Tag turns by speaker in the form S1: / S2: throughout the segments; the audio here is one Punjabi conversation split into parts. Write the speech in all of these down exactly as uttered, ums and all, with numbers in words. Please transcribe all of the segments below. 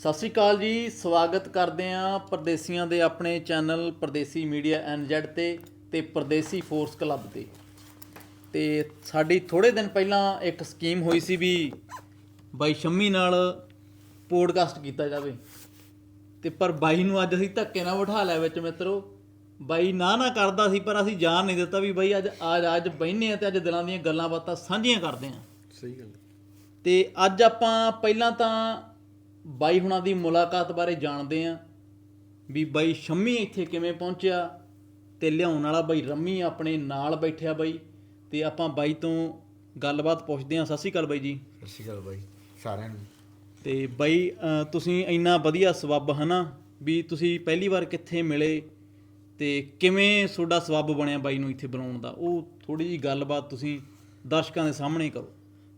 S1: ਸਤਿ ਸ਼੍ਰੀ ਅਕਾਲ ਜੀ। ਸਵਾਗਤ ਕਰਦੇ ਹਾਂ ਪਰਦੇਸੀਆਂ ਦੇ ਆਪਣੇ channel Pardesi media N Z 'ਤੇ ਅਤੇ ਪਰਦੇਸੀ ਫੋਰਸ ਕਲੱਬ 'ਤੇ। ਅਤੇ ਸਾਡੀ ਥੋੜ੍ਹੇ ਦਿਨ ਪਹਿਲਾਂ ਇੱਕ ਸਕੀਮ ਹੋਈ ਸੀ ਵੀ ਬਾਈ ਸ਼ੰਮੀ ਨਾਲ ਪੋਡਕਾਸਟ ਕੀਤਾ ਜਾਵੇ, ਅਤੇ ਪਰ ਬਾਈ ਨੂੰ ਅੱਜ ਅਸੀਂ ਧੱਕੇ ਨਾਲ ਬਿਠਾ ਲਿਆ ਵਿੱਚ। ਮਿੱਤਰੋ, ਬਾਈ ਨਾ ਨਾ ਕਰਦਾ ਸੀ, ਪਰ ਅਸੀਂ ਜਾਣ ਨਹੀਂ ਦਿੱਤਾ ਵੀ ਬਾਈ ਅੱਜ ਅੱਜ ਅੱਜ ਬਹਿੰਦੇ ਹਾਂ ਅਤੇ ਅੱਜ ਦਿਲਾਂ ਦੀਆਂ ਗੱਲਾਂ ਬਾਤਾਂ ਸਾਂਝੀਆਂ ਕਰਦੇ ਹਾਂ।
S2: ਸਹੀ ਗੱਲ।
S1: ਅਤੇ ਅੱਜ ਆਪਾਂ ਪਹਿਲਾਂ ਤਾਂ ਬਾਈ ਹੁਣਾਂ ਦੀ ਮੁਲਾਕਾਤ ਬਾਰੇ ਜਾਣਦੇ ਹਾਂ ਵੀ ਬਾਈ ਸ਼ੰਮੀ ਇੱਥੇ ਕਿਵੇਂ ਪਹੁੰਚਿਆ, ਅਤੇ ਲਿਆਉਣ ਵਾਲਾ ਬਾਈ ਰੰਮੀ ਆਪਣੇ ਨਾਲ ਬੈਠਿਆ ਬਾਈ, ਅਤੇ ਆਪਾਂ ਬਾਈ ਤੋਂ ਗੱਲਬਾਤ ਪੁੱਛਦੇ ਹਾਂ। ਸਤਿ ਸ਼੍ਰੀ ਅਕਾਲ ਬਾਈ ਜੀ।
S2: ਸਤਿ ਸ਼੍ਰੀ ਅਕਾਲ ਬਾਈ ਸਾਰਿਆਂ ਨੂੰ।
S1: ਅਤੇ ਬਾਈ ਤੁਸੀਂ ਇੰਨਾ ਵਧੀਆ ਸਬੱਬ ਹੈ ਨਾ ਵੀ ਤੁਸੀਂ ਪਹਿਲੀ ਵਾਰ ਕਿੱਥੇ ਮਿਲੇ ਅਤੇ ਕਿਵੇਂ ਤੁਹਾਡਾ ਸਬੱਬ ਬਣਿਆ ਬਾਈ ਨੂੰ ਇੱਥੇ ਬੁਲਾਉਣ ਦਾ, ਉਹ ਥੋੜ੍ਹੀ ਜਿਹੀ ਗੱਲਬਾਤ ਤੁਸੀਂ ਦਰਸ਼ਕਾਂ ਦੇ ਸਾਹਮਣੇ ਕਰੋ।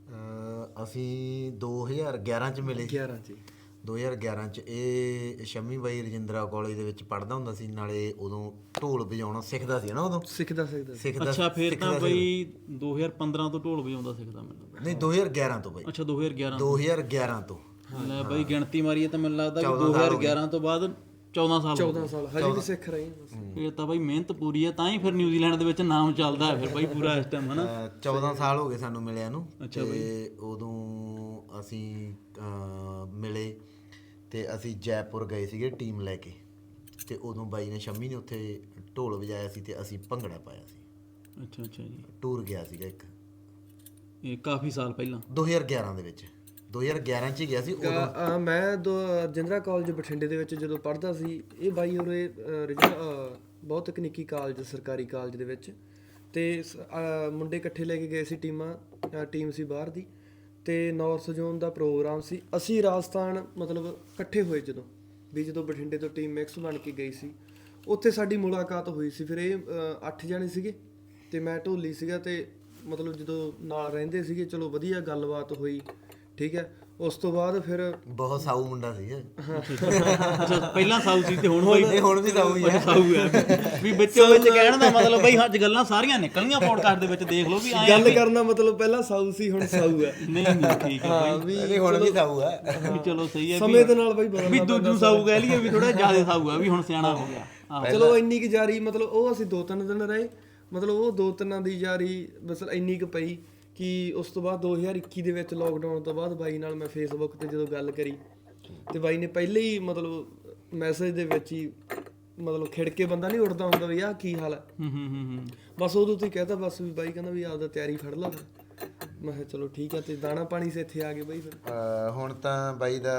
S2: ਅਸੀਂ ਦੋ ਹਜ਼ਾਰ ਗਿਆਰਾਂ 'ਚ ਮਿਲੇ। ਗਿਆਰਾਂ 'ਚ ਦੋ ਹਜ਼ਾਰ ਗਿਆਰਾਂ 'ਚ ਇਹ ਸ਼ੰਮੀ ਬਾਈ ਰਜਿੰਦਰਾ ਕਾਲਜ ਦੇ ਵਿੱਚ ਪੜ੍ਹਦਾ ਹੁੰਦਾ ਸੀ, ਨਾਲੇ ਉਦੋਂ ਢੋਲ ਵਜਾਉਣਾ ਸਿੱਖਦਾ ਸੀ ਨਾ। ਉਦੋਂ ਸਿੱਖਦਾ ਸਿੱਖਦਾ ਸਿੱਖਦਾ
S1: ਅੱਛਾ, ਫਿਰ ਤਾਂ ਬਾਈ ਦੋ ਹਜ਼ਾਰ ਪੰਦਰਾਂ ਤੋਂ ਢੋਲ ਵਜਾਉਂਦਾ ਸਿੱਖਦਾ ਮੈਨੂੰ।
S2: ਨਹੀਂ, ਦੋ ਹਜ਼ਾਰ ਗਿਆਰਾਂ ਤੋਂ ਬਾਈ।
S1: ਅੱਛਾ, ਦੋ ਹਜ਼ਾਰ ਗਿਆਰਾਂ
S2: ਦੋ ਹਜ਼ਾਰ ਗਿਆਰਾਂ ਤੋਂ।
S1: ਲੈ ਬਾਈ ਗਿਣਤੀ ਮਾਰੀਏ ਤਾਂ ਮੈਨੂੰ ਲੱਗਦਾ ਕਿ ਦੋ ਹਜ਼ਾਰ ਗਿਆਰਾਂ ਤੋਂ ਬਾਅਦ ਚੌਦਾਂ ਸਾਲ ਚੌਦਾਂ ਸਾਲ
S2: ਹਜੇ ਵੀ ਸਿੱਖ ਰਹੇ ਹਾਂ।
S1: ਇਹ ਤਾਂ ਬਾਈ ਮਿਹਨਤ ਪੂਰੀ ਹੈ, ਤਾਂ ਹੀ ਫਿਰ ਨਿਊਜ਼ੀਲੈਂਡ ਦੇ ਵਿੱਚ ਨਾਮ ਚੱਲਦਾ ਹੈ ਫਿਰ ਬਾਈ ਪੂਰਾ ਇਸ ਟਾਈਮ, ਹੈ ਨਾ।
S2: ਚੌਦਾਂ ਸਾਲ ਹੋ ਗਏ ਸਾਨੂੰ ਮਿਲਿਆਂ ਨੂੰ। ਅਤੇ ਉਦੋਂ ਅਸੀਂ ਮਿਲੇ ਅਤੇ ਅਸੀਂ ਜੈਪੁਰ ਗਏ ਸੀਗੇ ਟੀਮ ਲੈ ਕੇ, ਅਤੇ ਉਦੋਂ ਬਾਈ ਨੇ ਸ਼ੰਮੀ ਨੇ ਉੱਥੇ ਢੋਲ ਵਜਾਇਆ ਸੀ ਅਤੇ ਅਸੀਂ ਭੰਗੜਾ ਪਾਇਆ ਸੀ।
S1: ਅੱਛਾ ਅੱਛਾ ਜੀ।
S2: ਟੂਰ ਗਿਆ ਸੀਗਾ ਇੱਕ,
S1: ਇਹ ਕਾਫੀ ਸਾਲ ਪਹਿਲਾਂ ਦੋ
S2: ਹਜ਼ਾਰ ਗਿਆਰਾਂ ਦੇ ਵਿੱਚ। ਦੋ ਹਜ਼ਾਰ ਗਿਆਰਾਂ 'ਚ ਹੀ ਗਿਆ ਸੀ ਉਦੋਂ।
S3: ਮੈਂ ਦੋ ਰਜਿੰਦਰਾ ਕਾਲਜ ਬਠਿੰਡੇ ਦੇ ਵਿੱਚ ਜਦੋਂ ਪੜ੍ਹਦਾ ਸੀ, ਇਹ ਬਾਈ ਉਰੇ ਰਜਿੰਦਰਾ ਬਹੁਤ ਤਕਨੀਕੀ ਕਾਲਜ, ਸਰਕਾਰੀ ਕਾਲਜ ਦੇ ਵਿੱਚ, ਅਤੇ ਮੁੰਡੇ ਇਕੱਠੇ ਲੈ ਕੇ ਗਏ ਸੀ। ਟੀਮਾਂ ਟੀਮ ਸੀ ਬਾਹਰ ਦੀ, ਅਤੇ ਨਾਰਥ ਜ਼ੋਨ ਦਾ ਪ੍ਰੋਗਰਾਮ ਸੀ। ਅਸੀਂ ਰਾਜਸਥਾਨ ਮਤਲਬ ਇਕੱਠੇ ਹੋਏ ਜਦੋਂ ਵੀ ਜਦੋਂ ਬਠਿੰਡੇ ਤੋਂ ਟੀਮ ਮਿਕਸ ਬਣ ਕੇ ਗਈ ਸੀ, ਉੱਥੇ ਸਾਡੀ ਮੁਲਾਕਾਤ ਹੋਈ ਸੀ। ਫਿਰ ਇਹ ਅੱਠ ਜਾਣੇ ਸੀਗੇ ਅਤੇ ਮੈਂ ਢੋਲੀ ਸੀਗਾ, ਅਤੇ ਮਤਲਬ ਜਦੋਂ ਨਾਲ ਰਹਿੰਦੇ ਸੀਗੇ, ਚਲੋ ਵਧੀਆ ਗੱਲਬਾਤ ਹੋਈ, ਠੀਕ ਹੈ। ਉਸ ਤੋਂ ਬਾਅਦ ਫਿਰ
S2: ਬਹੁਤ ਸਾਊ ਮੁੰਡਾ ਸੀ।
S1: ਪਹਿਲਾਂ ਸਾਊ ਸੀ ਤੇ ਹੁਣ ਬਾਈ
S2: ਹੁਣ ਵੀ ਸਾਊ ਹੀ ਹੈ।
S1: ਸਾਊ ਹੈ ਵੀ ਵਿੱਚੋਂ ਵਿੱਚ ਕਹਿਣ ਦਾ ਮਤਲਬ ਬਾਈ ਅੱਜ ਗੱਲਾਂ ਸਾਰੀਆਂ ਨਿਕਲੀਆਂ ਪੋਡਕਾਸਟ ਦੇ ਵਿੱਚ, ਦੇਖ ਲਓ ਵੀ
S3: ਗੱਲ ਕਰਨਾ ਮਤਲਬ ਪਹਿਲਾਂ ਸਾਊ ਸੀ ਹੁਣ ਸਾਊ ਹੈ।
S1: ਨਹੀਂ ਨਹੀਂ ਠੀਕ ਹੈ
S2: ਬਾਈ, ਹੁਣ ਵੀ ਸਾਊ ਹੈ
S1: ਵੀ। ਚਲੋ ਸਹੀ ਹੈ,
S3: ਸਮੇਂ ਦੇ ਨਾਲ ਬਾਈ
S1: ਵੀ ਦੂਜੂ ਸਾਊ ਕਹਿ ਲਈਏ ਵੀ ਥੋੜਾ ਜ਼ਿਆਦਾ ਸਾਊ ਹੈ ਵੀ ਹੁਣ ਸਿਆਣਾ ਹੋ ਗਿਆ।
S3: ਚਲੋ ਇੰਨੀ ਕੁ ਜਾਰੀ, ਮਤਲਬ ਉਹ ਅਸੀਂ ਦੋ ਤਿੰਨ ਦਿਨ ਰਹੇ, ਮਤਲਬ ਉਹ ਦੋ ਤਿੰਨਾਂ ਦੀ ਜਾਰੀ ਬਸ ਇੰਨੀ ਕੁ ਪਈ ਕਿ ਉਸ ਤੋਂ ਬਾਅਦ ਦੋ ਹਜ਼ਾਰ ਇੱਕੀ ਦੇ ਵਿੱਚ ਲੋਕਡਾਊਨ ਤੋਂ ਬਾਅਦ ਬਾਈ ਨਾਲ ਮੈਂ ਫੇਸਬੁੱਕ 'ਤੇ ਜਦੋਂ ਗੱਲ ਕਰੀ, ਅਤੇ ਬਾਈ ਨੇ ਪਹਿਲੇ ਹੀ ਮਤਲਬ ਮੈਸੇਜ ਦੇ ਵਿੱਚ ਹੀ ਮਤਲਬ ਖਿੜ ਕੇ ਬੰਦਾ ਨਹੀਂ ਉੱਠਦਾ ਹੁੰਦਾ ਵੀ ਆਹ ਕੀ ਹਾਲ ਹੈ, ਬਸ ਉਦੋਂ ਤੋਂ ਹੀ ਕਹਿਤਾ ਬਸ ਵੀ ਬਾਈ ਕਹਿੰਦਾ ਵੀ ਆਪਦਾ ਤਿਆਰੀ ਫੜ ਲਾ। ਫਿਰ ਮੈਂ ਕਿਹਾ ਚਲੋ ਠੀਕ ਹੈ, ਅਤੇ ਦਾਣਾ ਪਾਣੀ ਸੇ ਇੱਥੇ ਆ ਗਏ ਬਾਈ। ਫਿਰ
S2: ਹੁਣ ਤਾਂ ਬਾਈ ਦਾ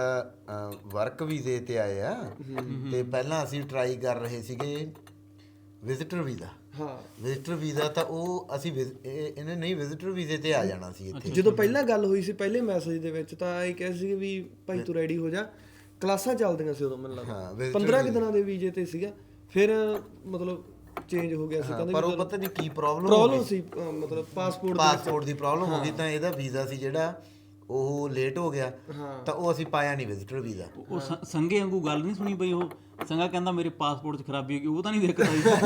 S2: ਵਰਕ ਵੀਜ਼ੇ 'ਤੇ ਆਏ ਆ, ਅਤੇ ਪਹਿਲਾਂ ਅਸੀਂ ਟਰਾਈ ਕਰ ਰਹੇ ਸੀਗੇ ਵਿਜ਼ਿਟਰ ਵੀਜ਼ਾ।
S3: ਹਾਂ,
S2: ਵਿਜ਼ਿਟਰ ਵੀਜ਼ਾ ਤਾਂ ਉਹ ਅਸੀਂ ਇਹਨੇ ਨਹੀਂ ਵਿਜ਼ਿਟਰ ਵੀਜ਼ੇ 'ਤੇ ਆ ਜਾਣਾ ਸੀ ਇੱਥੇ।
S3: ਜਦੋਂ ਪਹਿਲਾਂ ਗੱਲ ਹੋਈ ਸੀ ਪਹਿਲੇ ਮੈਸੇਜ ਦੇ ਵਿੱਚ, ਤਾਂ ਇਹ ਕਹੇ ਸੀ ਵੀ ਭਾਈ ਤੂੰ ਰੈਡੀ ਹੋ ਜਾ, ਕਲਾਸਾਂ ਚੱਲਦੀਆਂ ਸੀ ਉਦੋਂ ਮੈਨੂੰ ਲੱਗਦਾ ਪੰਦਰਾਂ ਕੁ ਦਿਨਾਂ ਦੇ ਵੀਜ਼ੇ 'ਤੇ ਸੀਗਾ। ਫਿਰ ਮਤਲਬ ਚੇਂਜ ਹੋ ਗਿਆ ਸੀ, ਕਹਿੰਦੇ
S2: ਪਰ ਉਹ ਪਤਾ ਨਹੀਂ ਕੀ ਪ੍ਰੋਬਲਮ
S3: ਪ੍ਰੋਬਲਮ ਸੀ, ਮਤਲਬ ਪਾਸਪੋਰਟ
S2: ਪਾਸਪੋਰਟ ਦੀ ਪ੍ਰੋਬਲਮ ਹੋ ਗਈ, ਤਾਂ ਇਹਦਾ ਵੀਜ਼ਾ ਸੀ ਜਿਹੜਾ ਉਹ ਲੇਟ ਹੋ ਗਿਆ, ਤਾਂ ਉਹ ਅਸੀਂ ਪਾਇਆ ਨਹੀਂ ਵਿਜ਼ਿਟਰ ਵੀਜ਼ਾ।
S1: ਉਹ ਸੰਗੇ ਵਾਂਗੂ ਗੱਲ ਨਹੀਂ ਸੁਣੀ ਬਈ, ਉਹ ਸੰਗਾ ਕਹਿੰਦਾ ਮੇਰੇ ਪਾਸਪੋਰਟ 'ਚ ਖਰਾਬੀ ਹੋ ਗਈ, ਉਹ ਤਾਂ ਨਹੀਂ ਦਿੱਕਤ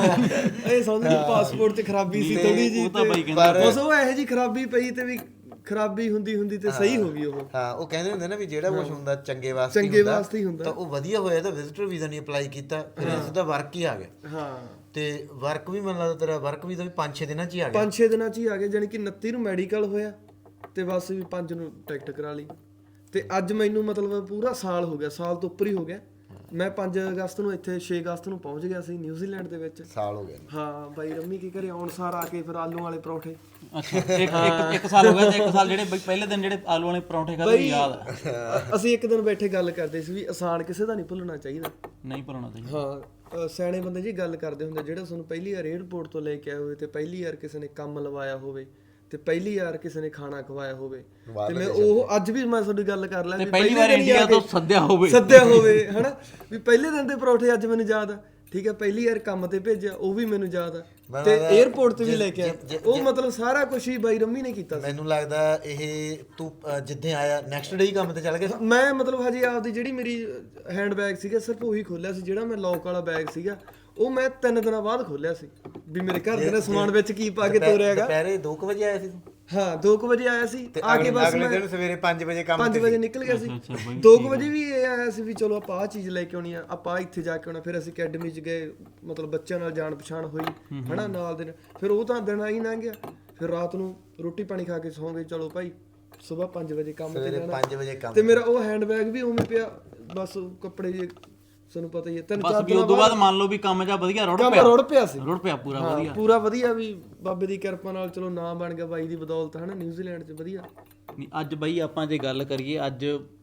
S1: ਆਈ।
S3: ਇਹ ਸਮਝ ਪਾਸਪੋਰਟ 'ਚ ਖਰਾਬੀ ਸੀ ਥੋੜੀ ਜਿਹੀ, ਬਸ ਉਹ ਇਹੋ ਜਿਹੀ ਖਰਾਬੀ ਪਈ ਤੇ ਵੀ ਖਰਾਬੀ ਹੁੰਦੀ ਹੁੰਦੀ ਤੇ ਸਹੀ ਹੋ ਗਈ ਉਹ।
S2: ਹਾਂ, ਉਹ ਕਹਿੰਦੇ ਹੁੰਦੇ ਨਾ ਵੀ ਜਿਹੜਾ ਕੁਝ ਹੁੰਦਾ ਚੰਗੇ ਵਾਸਤੇ
S3: ਚੰਗੇ ਵਾਸਤੇ ਹੀ ਹੁੰਦਾ,
S2: ਤਾਂ ਉਹ ਵਧੀਆ ਹੋਇਆ ਤਾਂ ਵਿਜ਼ਿਟਰ ਵੀਜ਼ਾ ਨਹੀਂ ਅਪਲਾਈ ਕੀਤਾ, ਫਿਰ ਸਿੱਧਾ ਵਰਕ ਹੀ ਆ ਗਿਆ।
S3: ਹਾਂ,
S2: ਤੇ ਵਰਕ ਵੀ ਮੈਨੂੰ ਲੱਗਦਾ ਤੇਰਾ ਵਰਕ ਵੀਜ਼ਾ ਵੀ ਪੰਜ ਛੇ ਦਿਨਾਂ 'ਚ ਹੀ ਆ ਗਿਆ।
S3: ਪੰਜ ਛੇ ਦਿਨਾਂ 'ਚ ਹੀ ਆ ਗਿਆ, ਜਾਣੀ ਕਿ ਉਨੱਤੀ ਨੂੰ ਮੈਡੀਕਲ ਹੋਇਆ ਤੇ ਬਸ ਵੀ ਪੰਜ ਨੂੰ ਟਿਕਟ ਕਰਾ ਲਈ, ਤੇ ਅੱਜ ਮੈਨੂੰ ਮਤਲਬ ਪੂਰਾ ਸਾਲ ਹੋ ਗਿਆ, ਸਾਲ ਤੋਂ ਉੱਪਰ ਹੀ ਹੋ ਗਿਆ। ਮੈਂ ਪੰਜ ਅਗਸਤ ਨੂੰ ਇੱਥੇ ਛੇ ਅਗਸਤ ਨੂੰ ਪਹੁੰਚ ਗਿਆ ਸੀ ਨਿਊਜ਼ੀਲੈਂਡ ਦੇ ਵਿੱਚ।
S2: ਸਾਲ ਹੋ ਗਿਆ।
S3: ਹਾਂ, ਬਾਈ ਰੰਮੀ ਕੇ ਘਰੇ ਆਉਣ ਸਾਰ ਆ ਕੇ ਫਿਰ ਆਲੂ ਵਾਲੇ ਪਰੌਂਠੇ।
S1: ਅੱਛਾ, ਇੱਕ ਇੱਕ ਸਾਲ ਹੋ ਗਿਆ, ਤੇ ਇੱਕ ਸਾਲ ਜਿਹੜੇ ਪਹਿਲੇ ਦਿਨ ਜਿਹੜੇ ਆਲੂ ਵਾਲੇ ਪਰੌਂਠੇ ਖਾਦੇ ਯਾਦ ਆ।
S3: ਅਸੀਂ ਇੱਕ ਦਿਨ ਬੈਠੇ ਗੱਲ ਕਰਦੇ ਸੀ ਵੀ ਆਸਾਨ ਕਿਸੇ ਦਾ ਨਹੀਂ ਭੁੱਲਣਾ ਚਾਹੀਦਾ,
S1: ਨਹੀਂ ਭੁੱਲਣਾ ਚਾਹੀਦਾ।
S3: ਹਾਂ, ਸਿਆਣੇ ਬੰਦੇ ਜੀ ਗੱਲ ਕਰਦੇ ਹੁੰਦੇ, ਜਿਹੜਾ ਤੁਹਾਨੂੰ ਪਹਿਲੀ ਵਾਰ ਏਅਰਪੋਰਟ ਤੋਂ ਲੈ ਕੇ ਆਇਆ ਹੋਵੇ, ਤੇ ਪਹਿਲੀ ਵਾਰ ਕਿਸੇ ਨੇ ਕੰਮ ਲਵਾਇਆ ਹੋਵੇ, ਤੇ ਪਹਿਲੀ ਵਾਰ ਕਿਸੇ ਨੇ ਖਾਣਾ ਖਵਾਇਆ ਹੋਵੇ, ਤੇ ਮੈਂ ਉਹ ਅੱਜ ਵੀ ਮੈਂ ਤੁਹਾਡੀ ਗੱਲ ਕਰ ਲਿਆ,
S1: ਪਹਿਲੀ ਵਾਰ ਇੰਡੀਆ ਤੋਂ ਸੱਦਿਆ ਹੋਵੇ
S3: ਸੱਦਿਆ ਹੋਵੇ ਹਨਾ, ਵੀ ਪਹਿਲੇ ਦਿਨ ਦੇ ਪਰੌਠੇ ਅੱਜ ਮੈਨੂੰ ਯਾਦ ਆ। ਠੀਕ ਹੈ, ਪਹਿਲੀ ਵਾਰ ਕੰਮ ਤੇ ਭੇਜਿਆ ਉਹ ਵੀ ਮੈਨੂੰ ਯਾਦ ਆ, ਤੇ ਏਅਰਪੋਰਟ ਤੇ ਵੀ ਲੈ ਕੇ ਆਇਆ, ਉਹ ਮਤਲਬ ਸਾਰਾ ਕੁਝ ਹੀ ਬਾਈ ਰੰਮੀ ਨੇ ਕੀਤਾ।
S2: ਮੈਨੂੰ ਲੱਗਦਾ ਇਹ ਤੂੰ ਜਿੱਦਾਂ ਆਇਆ ਨੈਕਸਟ ਡੇ ਹੀ ਕੰਮ ਤੇ ਚੱਲ ਗਿਆ।
S3: ਮੈਂ ਮਤਲਬ ਹਜੇ ਆਪਦੀ ਜਿਹੜੀ ਮੇਰੀ ਹੈਂਡ ਬੈਗ ਸੀਗਾ ਸਿਰਫ ਉਹੀ ਖੋਲਿਆ ਸੀ, ਜਿਹੜਾ ਮੈਂ ਲੌਕ ਵਾਲਾ ਬੈਗ ਸੀਗਾ ਉਹ ਮੈਂ ਤਿੰਨ ਦਿਨਾਂ ਬਾਅਦ ਖੋਲਿਆ ਸੀ ਵੀ ਮੇਰੇ ਘਰ ਦੇ ਨੇ ਸਮਾਨ ਵਿੱਚ ਕੀ ਪਾ ਕੇ ਤੋਰਿਆ ਹੈਗਾ।
S2: ਦੁਪਹਿਰੇ ਦੋ ਕੁ ਵਜੇ ਆਇਆ ਸੀ ਤੂੰ?
S3: ਹਾਂ ਦੋ ਕੁ ਵਜੇ ਆਇਆ ਸੀ
S2: ਤੇ
S3: ਆ ਕੇ
S2: ਅਗਲੇ
S3: ਬਸ
S2: ਅਗਲੇ
S3: ਮੈਂ
S2: ਦਿਨ ਸਵੇਰੇ ਪੰਜ ਵਜੇ ਕੰਮ
S3: ਪੰਜ
S2: ਤੇ
S3: ਵਜੇ
S2: ਸੀ।
S3: ਨਿਕਲ ਗਿਆ ਸੀ
S1: ਅੱਛਾ ਬਾਈ,
S3: ਦੋ ਕੁ ਵਜੇ ਵੀ ਇਹ ਆਇਆ ਸੀ ਵੀ ਚਲੋ ਆਪਾਂ ਆਹ ਚੀਜ਼ ਲੈ ਕੇ ਆਉਣੀ ਆ ਆਪਾਂ ਆਹ ਇੱਥੇ ਜਾ ਕੇ ਆਉਣਾ ਫਿਰ ਅਸੀਂ ਅਕੈਡਮੀ 'ਚ ਗਏ ਮਤਲਬ ਬੱਚਿਆਂ ਨਾਲ ਜਾਣ ਪਛਾਣ ਹੋਈ ਹਨਾ ਨਾਲ ਦੇ ਨਾਲ। ਫਿਰ ਉਹ ਤਾਂ ਦਿਨ ਹੀ ਲੰਘ ਗਿਆ ਫਿਰ ਰਾਤ ਨੂੰ ਰੋਟੀ ਪਾਣੀ ਖਾ ਕੇ ਸੌਂ ਗਏ ਚਲੋ ਭਾਈ ਸਵੇਰ ਪੰਜ ਵਜੇ ਕੰਮ ਤੇ
S2: ਸਵੇਰੇ
S3: ਜਾਣਾ
S2: ਪੰਜ ਵਜੇ ਕੰਮ
S3: ਤੇ ਮੇਰਾ ਉਹ ਹੈਂਡਬੈਗ ਵੀ ਉਵੇਂ ਪਿਆ ਬਸ ਉਹ ਕੱਪੜੇ ਜੇ ਤੁਹਾਨੂੰ ਪਤਾ ਹੀ ਹੈ ਤਿੰਨ
S1: ਬਸ
S3: ਚਾਰ
S1: ਵੀ ਉਦੋਂ ਬਾਅਦ ਮੰਨ ਲਓ ਵੀ ਕੰਮ ਜਾ ਵਧੀਆ ਰੁੜ
S3: ਕੰਮ
S1: ਪਿਆ
S3: ਰੁੜ ਪਿਆ ਸੀ
S1: ਰੁੜ ਪਿਆ ਪੂਰਾ
S3: ਹਾਂ,
S1: ਵਧੀਆ।
S3: ਪੂਰਾ ਵਧੀਆ ਵੀ ਬਾਬੇ ਦੀ ਕਿਰਪਾ ਨਾਲ ਚਲੋ ਨਾਮ ਬਣ ਗਿਆ ਬਾਈ ਦੀ ਬਦੌਲਤ ਹਨਾ ਨਿਊਜ਼ੀਲੈਂਡ 'ਚ ਵਧੀਆ।
S1: ਨਹੀਂ ਅੱਜ ਬਈ ਆਪਾਂ ਜੇ ਗੱਲ ਕਰੀਏ ਅੱਜ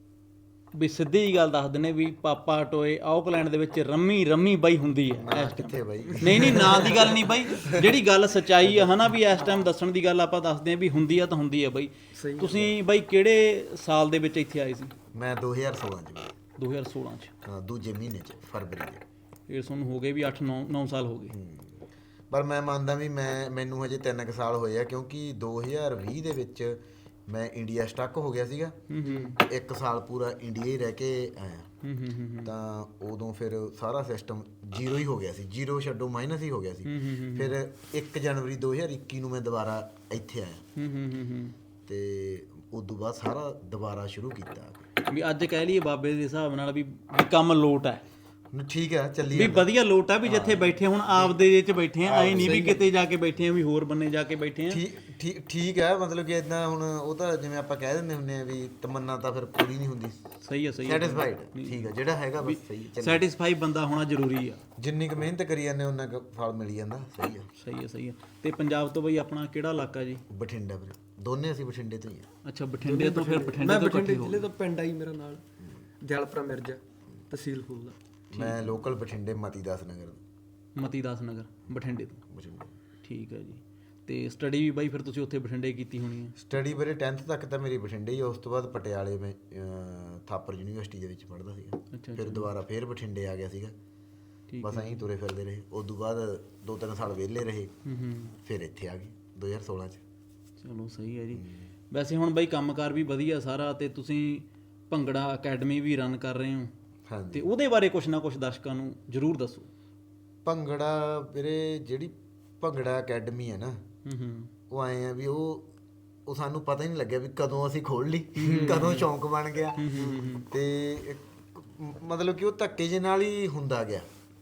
S1: ਵੀ ਸਿੱਧੀ ਜੀ ਗੱਲ ਦੱਸ ਦਿੰਦੇ ਵੀ ਪਾਪਾ ਟੋਏ ਆਕਲੈਂਡ ਦੇ ਵਿੱਚ ਰੰਮੀ ਰੰਮੀ ਬਾਈ ਹੁੰਦੀ ਹੈ ਇਸ
S2: ਕਿੱਥੇ ਬਾਈ
S1: ਨਹੀਂ ਨਹੀਂ ਨਾਂ ਦੀ ਗੱਲ ਨਹੀਂ ਬਾਈ ਜਿਹੜੀ ਗੱਲ ਸੱਚਾਈ ਆ ਹਨਾ ਵੀ ਇਸ ਟਾਈਮ ਦੱਸਣ ਦੀ ਗੱਲ ਆਪਾਂ ਦੱਸਦੇ ਆ ਵੀ ਹੁੰਦੀ ਆ ਤਾਂ ਹੁੰਦੀ ਆ ਬਾਈ।
S3: ਸਹੀ
S1: ਤੁਸੀਂ ਬਾਈ ਕਿਹੜੇ ਸਾਲ ਦੇ ਵਿੱਚ ਇੱਥੇ ਆਏ ਸੀ?
S2: ਮੈਂ ਦੋ ਹਜ਼ਾਰ ਸੋਲਾਂ ਚ ਬਾਈ।
S1: ਦੋ ਹਜ਼ਾਰ ਸੋਲਾਂ ਚ।
S2: ਹਾਂ ਦੂਜੇ ਮਹੀਨੇ ਚ ਫਰਵਰੀ ਚ।
S1: ਇਹ ਤੁਹਾਨੂੰ ਹੋ ਗਏ ਵੀ ਅੱਠ ਨੌ ਨੌ ਸਾਲ ਹੋ ਗਏ।
S2: ਹੂੰ। ਪਰ ਮੈਂ ਮੰਨਦਾ ਵੀ ਮੈਂ ਮੈਨੂੰ ਹਜੇ ਤਿੰਨ ਕੁ ਸਾਲ ਹੋਏ ਆ ਕਿਉਂਕਿ ਦੋ ਹਜ਼ਾਰ ਵੀਹ ਦੇ ਵਿੱਚ ਮੈਂ ਇੰਡੀਆ ਸਟਕ ਹੋ ਗਿਆ ਸੀਗਾ।
S1: ਹੂੰ ਹੂੰ
S2: ਇੱਕ ਸਾਲ ਪੂਰਾ ਇੰਡੀਆ ਹੀ ਰਹਿ ਕੇ ਆਇਆ
S1: ਹੂੰ ਹੂੰ ਹੂੰ
S2: ਤਾਂ ਉਦੋਂ ਫਿਰ ਸਾਰਾ ਸਿਸਟਮ ਜ਼ੀਰੋ ਹੀ ਹੋ ਗਿਆ ਸੀ ਜ਼ੀਰੋ ਛੱਡੋ ਮਾਈਨਸ ਹੀ ਹੋ ਗਿਆ ਸੀ। ਫਿਰ ਇੱਕ ਜਨਵਰੀ ਦੋ ਹਜ਼ਾਰ ਇੱਕੀ ਨੂੰ ਮੈਂ ਦੁਬਾਰਾ ਇੱਥੇ ਆਇਆ
S1: ਹੂੰ ਹੂੰ ਹੂੰ ਹੂੰ
S2: ਤੇ ਉਦੋਂ ਬਾਅਦ ਸਾਰਾ ਦੁਬਾਰਾ ਸ਼ੁਰੂ ਕੀਤਾ।
S1: ਵੀ ਅੱਜ ਕਹਿ ਲਈਏ ਬਾਬੇ ਦੇ ਹਿਸਾਬ ਨਾਲ ਵੀ ਵੀ ਕੰਮ ਲੋਟ ਹੈ
S2: ਠੀਕ ਆ ਚੱਲੀ
S1: ਵੀ ਵਧੀਆ ਲੋਟ ਆ ਵੀ ਜਿੱਥੇ ਬੈਠੇ ਹੁਣ ਆਪਦੇ ਦੇ ਚ ਬੈਠੇ ਆ ਐ ਨਹੀਂ ਵੀ ਕਿਤੇ ਜਾ ਕੇ ਬੈਠੇ ਆ ਵੀ ਹੋਰ ਬੰਨੇ ਜਾ ਕੇ ਬੈਠੇ ਆ।
S2: ਠੀਕ ਠੀਕ ਠੀਕ ਹੈ ਮਤਲਬ ਕਿ ਇਦਾਂ ਹੁਣ ਉਹ ਤਾਂ ਜਿਵੇਂ ਆਪਾਂ ਕਹਿ ਦਿੰਦੇ ਹੁੰਦੇ ਆ ਵੀ ਤਮੰਨਾ ਤਾਂ ਫਿਰ ਪੂਰੀ ਨਹੀਂ ਹੁੰਦੀ।
S1: ਸਹੀ ਆ ਸਹੀ ਆ
S2: ਸੈਟੀਸਫਾਈਡ ਠੀਕ ਹੈ ਜਿਹੜਾ ਹੈਗਾ ਬਸ ਸਹੀ ਹੈ।
S1: ਸੈਟੀਸਫਾਈ ਬੰਦਾ ਹੋਣਾ ਜ਼ਰੂਰੀ ਆ।
S2: ਜਿੰਨੀ ਕੁ ਮਿਹਨਤ ਕਰੀ ਜਾਂਦੇ ਉਹਨਾਂ ਕੁ ਫਲ ਮਿਲ ਜਾਂਦਾ। ਸਹੀ ਆ
S1: ਸਹੀ ਆ ਸਹੀ ਆ। ਤੇ ਪੰਜਾਬ ਤੋਂ ਬਈ ਆਪਣਾ ਕਿਹੜਾ ਇਲਾਕਾ ਜੀ?
S2: ਬਠਿੰਡਾ ਵੀਰੇ ਦੋਨੇ ਅਸੀਂ ਬਠਿੰਡੇ ਤੋਂ ਹੀ ਆ।
S1: ਅੱਛਾ ਬਠਿੰਡੇ ਤੋਂ ਫਿਰ ਬਠਿੰਡੇ
S3: ਮੈਂ
S1: ਤੋਂ
S3: ਬਠਿੰਡੇ
S1: ਇਕੱਠੇ ਹੋ
S3: ਜ਼ਿਲ੍ਹੇ ਤੋਂ ਪਿੰਡ ਆਈ ਮੇਰਾ ਨਾਲ ਜਲਪਰਾ ਮਿਰਜ਼ਾ ਤਹਿਸੀਲ ਫੂਲ ਦਾ।
S2: ਮੈਂ ਲੋਕਲ ਬਠਿੰਡੇ ਮਤੀ ਦਾਸ ਨਗਰ
S1: ਮਤੀ ਦਾਸ ਨਗਰ ਬਠਿੰਡੇ ਤੋਂ।
S2: ਬਠਿੰਡੇ।
S1: ਠੀਕ ਹੈ ਜੀ। ਤੇ ਸਟੱਡੀ ਵੀ ਬਾਈ ਫਿਰ ਤੁਸੀਂ ਉੱਥੇ ਬਠਿੰਡੇ ਕੀਤੀ ਹੋਣੀ ਹੈ?
S2: ਸਟੱਡੀ ਵੀਰੇ ਟੈਂਥ ਤੱਕ ਤਾਂ ਮੇਰੀ ਬਠਿੰਡੇ ਹੀ ਆ। ਉਸ ਤੋਂ ਬਾਅਦ ਪਟਿਆਲੇ ਮੈਂ ਅਹ, ਥਾਪਰ ਯੂਨੀਵਰਸਿਟੀ ਦੇ ਵਿੱਚ ਪੜ੍ਹਦਾ ਸੀਗਾ।
S1: ਅੱਛਾ
S2: ਫਿਰ ਦੁਬਾਰਾ ਫਿਰ ਬਠਿੰਡੇ ਆ ਗਿਆ ਸੀਗਾ।
S1: ਠੀਕ
S2: ਬਸ ਐਂ ਤੁਰੇ ਫਿਰਦੇ ਰਹੇ। ਉਸ ਤੋਂ ਬਾਅਦ ਦੋ ਤਿੰਨ ਸਾਲ ਵਿਹਲੇ ਰਹੇ
S1: ਹੂੰ ਹੂੰ
S2: ਫਿਰ ਇੱਥੇ ਆ ਗਏ ਦੋ ਹਜ਼ਾਰ ਸੋਲਾਂ ਚ।
S1: ਚਲੋ ਸਹੀ ਹੈ ਜੀ। ਵੈਸੇ ਹੁਣ ਬਾਈ ਕੰਮਕਾਰ ਵੀ ਵਧੀਆ ਸਾਰਾ ਤੇ ਤੁਸੀਂ ਭੰਗੜਾ ਅਕੈਡਮੀ ਵੀ ਰਨ ਕਰ ਰਹੇ ਹੋ
S2: ਹਾਂਜੀ
S1: ਤੇ ਉਹਦੇ ਬਾਰੇ ਕੁਛ ਨਾ ਕੁਛ ਦਰਸ਼ਕਾਂ ਨੂੰ ਜ਼ਰੂਰ ਦੱਸੋ।
S2: ਭੰਗੜਾ ਵੀਰੇ ਜਿਹੜੀ ਭੰਗੜਾ ਅਕੈਡਮੀ ਹੈ ਨਾ
S1: ਹੂੰ ਹੂੰ
S2: ਉਹ ਆਏ ਆ ਵੀ ਉਹ ਉਹ ਸਾਨੂੰ ਪਤਾ ਹੀ ਨਹੀਂ ਲੱਗਿਆ ਵੀ ਕਦੋਂ ਅਸੀਂ ਖੋਲ ਲਈ ਕਦੋਂ ਸ਼ੌਂਕ ਬਣ ਗਿਆ। ਤੇ ਇੱਕ ਮਤਲਬ ਕਿ ਉਹ ਧੱਕੇ ਜਿਹੇ ਨਾਲ ਹੀ ਹੁੰਦਾ ਗਿਆ।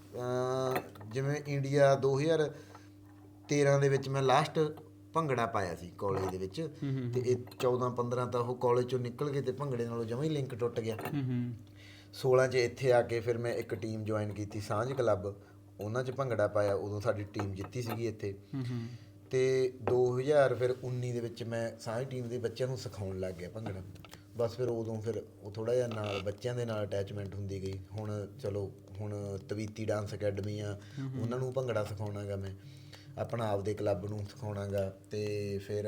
S2: ਅਹ ਜਿਵੇਂ ਇੰਡੀਆ ਦੋ ਹਜ਼ਾਰ ਤੇਰਾਂ ਦੇ ਵਿੱਚ ਮੈਂ ਲਾਸਟ ਭੰਗੜਾ ਪਾਇਆ ਸੀ ਕਾਲਜ ਦੇ ਵਿੱਚ ਤੇ ਇਹ ਚੌਦਾਂ ਪੰਦਰਾਂ ਤਾਂ ਉਹ ਕਾਲਜ ਚੋਂ ਨਿਕਲ ਗਏ ਤੇ ਭੰਗੜੇ ਨਾਲੋਂ ਜਮਾਂ ਹੀ ਲਿੰਕ ਟੁੱਟ ਗਿਆ।
S1: ਹੂੰ ਹੂੰ
S2: ਸੋਲਾਂ 'ਚ ਇੱਥੇ ਆ ਕੇ ਫਿਰ ਮੈਂ ਇੱਕ ਟੀਮ ਜੁਆਇਨ ਕੀਤੀ ਸਾਂਝ ਕਲੱਬ ਉਹਨਾਂ 'ਚ ਭੰਗੜਾ ਪਾਇਆ। ਉਦੋਂ ਸਾਡੀ ਟੀਮ ਜਿੱਤੀ ਸੀਗੀ ਇੱਥੇ।
S1: ਹੂੰ ਹੂੰ
S2: ਤੇ ਦੋ ਹਜ਼ਾਰ ਫਿਰ ਉੱਨੀ ਦੇ ਵਿੱਚ ਮੈਂ ਸਾਂਝ ਟੀਮ ਦੇ ਬੱਚਿਆਂ ਨੂੰ ਸਿਖਾਉਣ ਲੱਗ ਗਿਆ ਭੰਗੜਾ। ਬਸ ਫਿਰ ਉਦੋਂ ਫਿਰ ਉਹ ਥੋੜ੍ਹਾ ਜਿਹਾ ਨਾਲ ਬੱਚਿਆਂ ਦੇ ਨਾਲ ਅਟੈਚਮੈਂਟ ਹੁੰਦੀ ਗਈ। ਹੁਣ ਚਲੋ ਹੁਣ ਤਵੀਤੀ ਡਾਂਸ ਅਕੈਡਮੀ ਆ ਉਹਨਾਂ ਨੂੰ ਭੰਗੜਾ ਸਿਖਾਉਣਾ ਗਾ ਮੈਂ ਆਪਣਾ ਆਪਦੇ ਕਲੱਬ ਨੂੰ ਸਿਖਾਉਣਾ ਗਾ। ਤੇ ਫਿਰ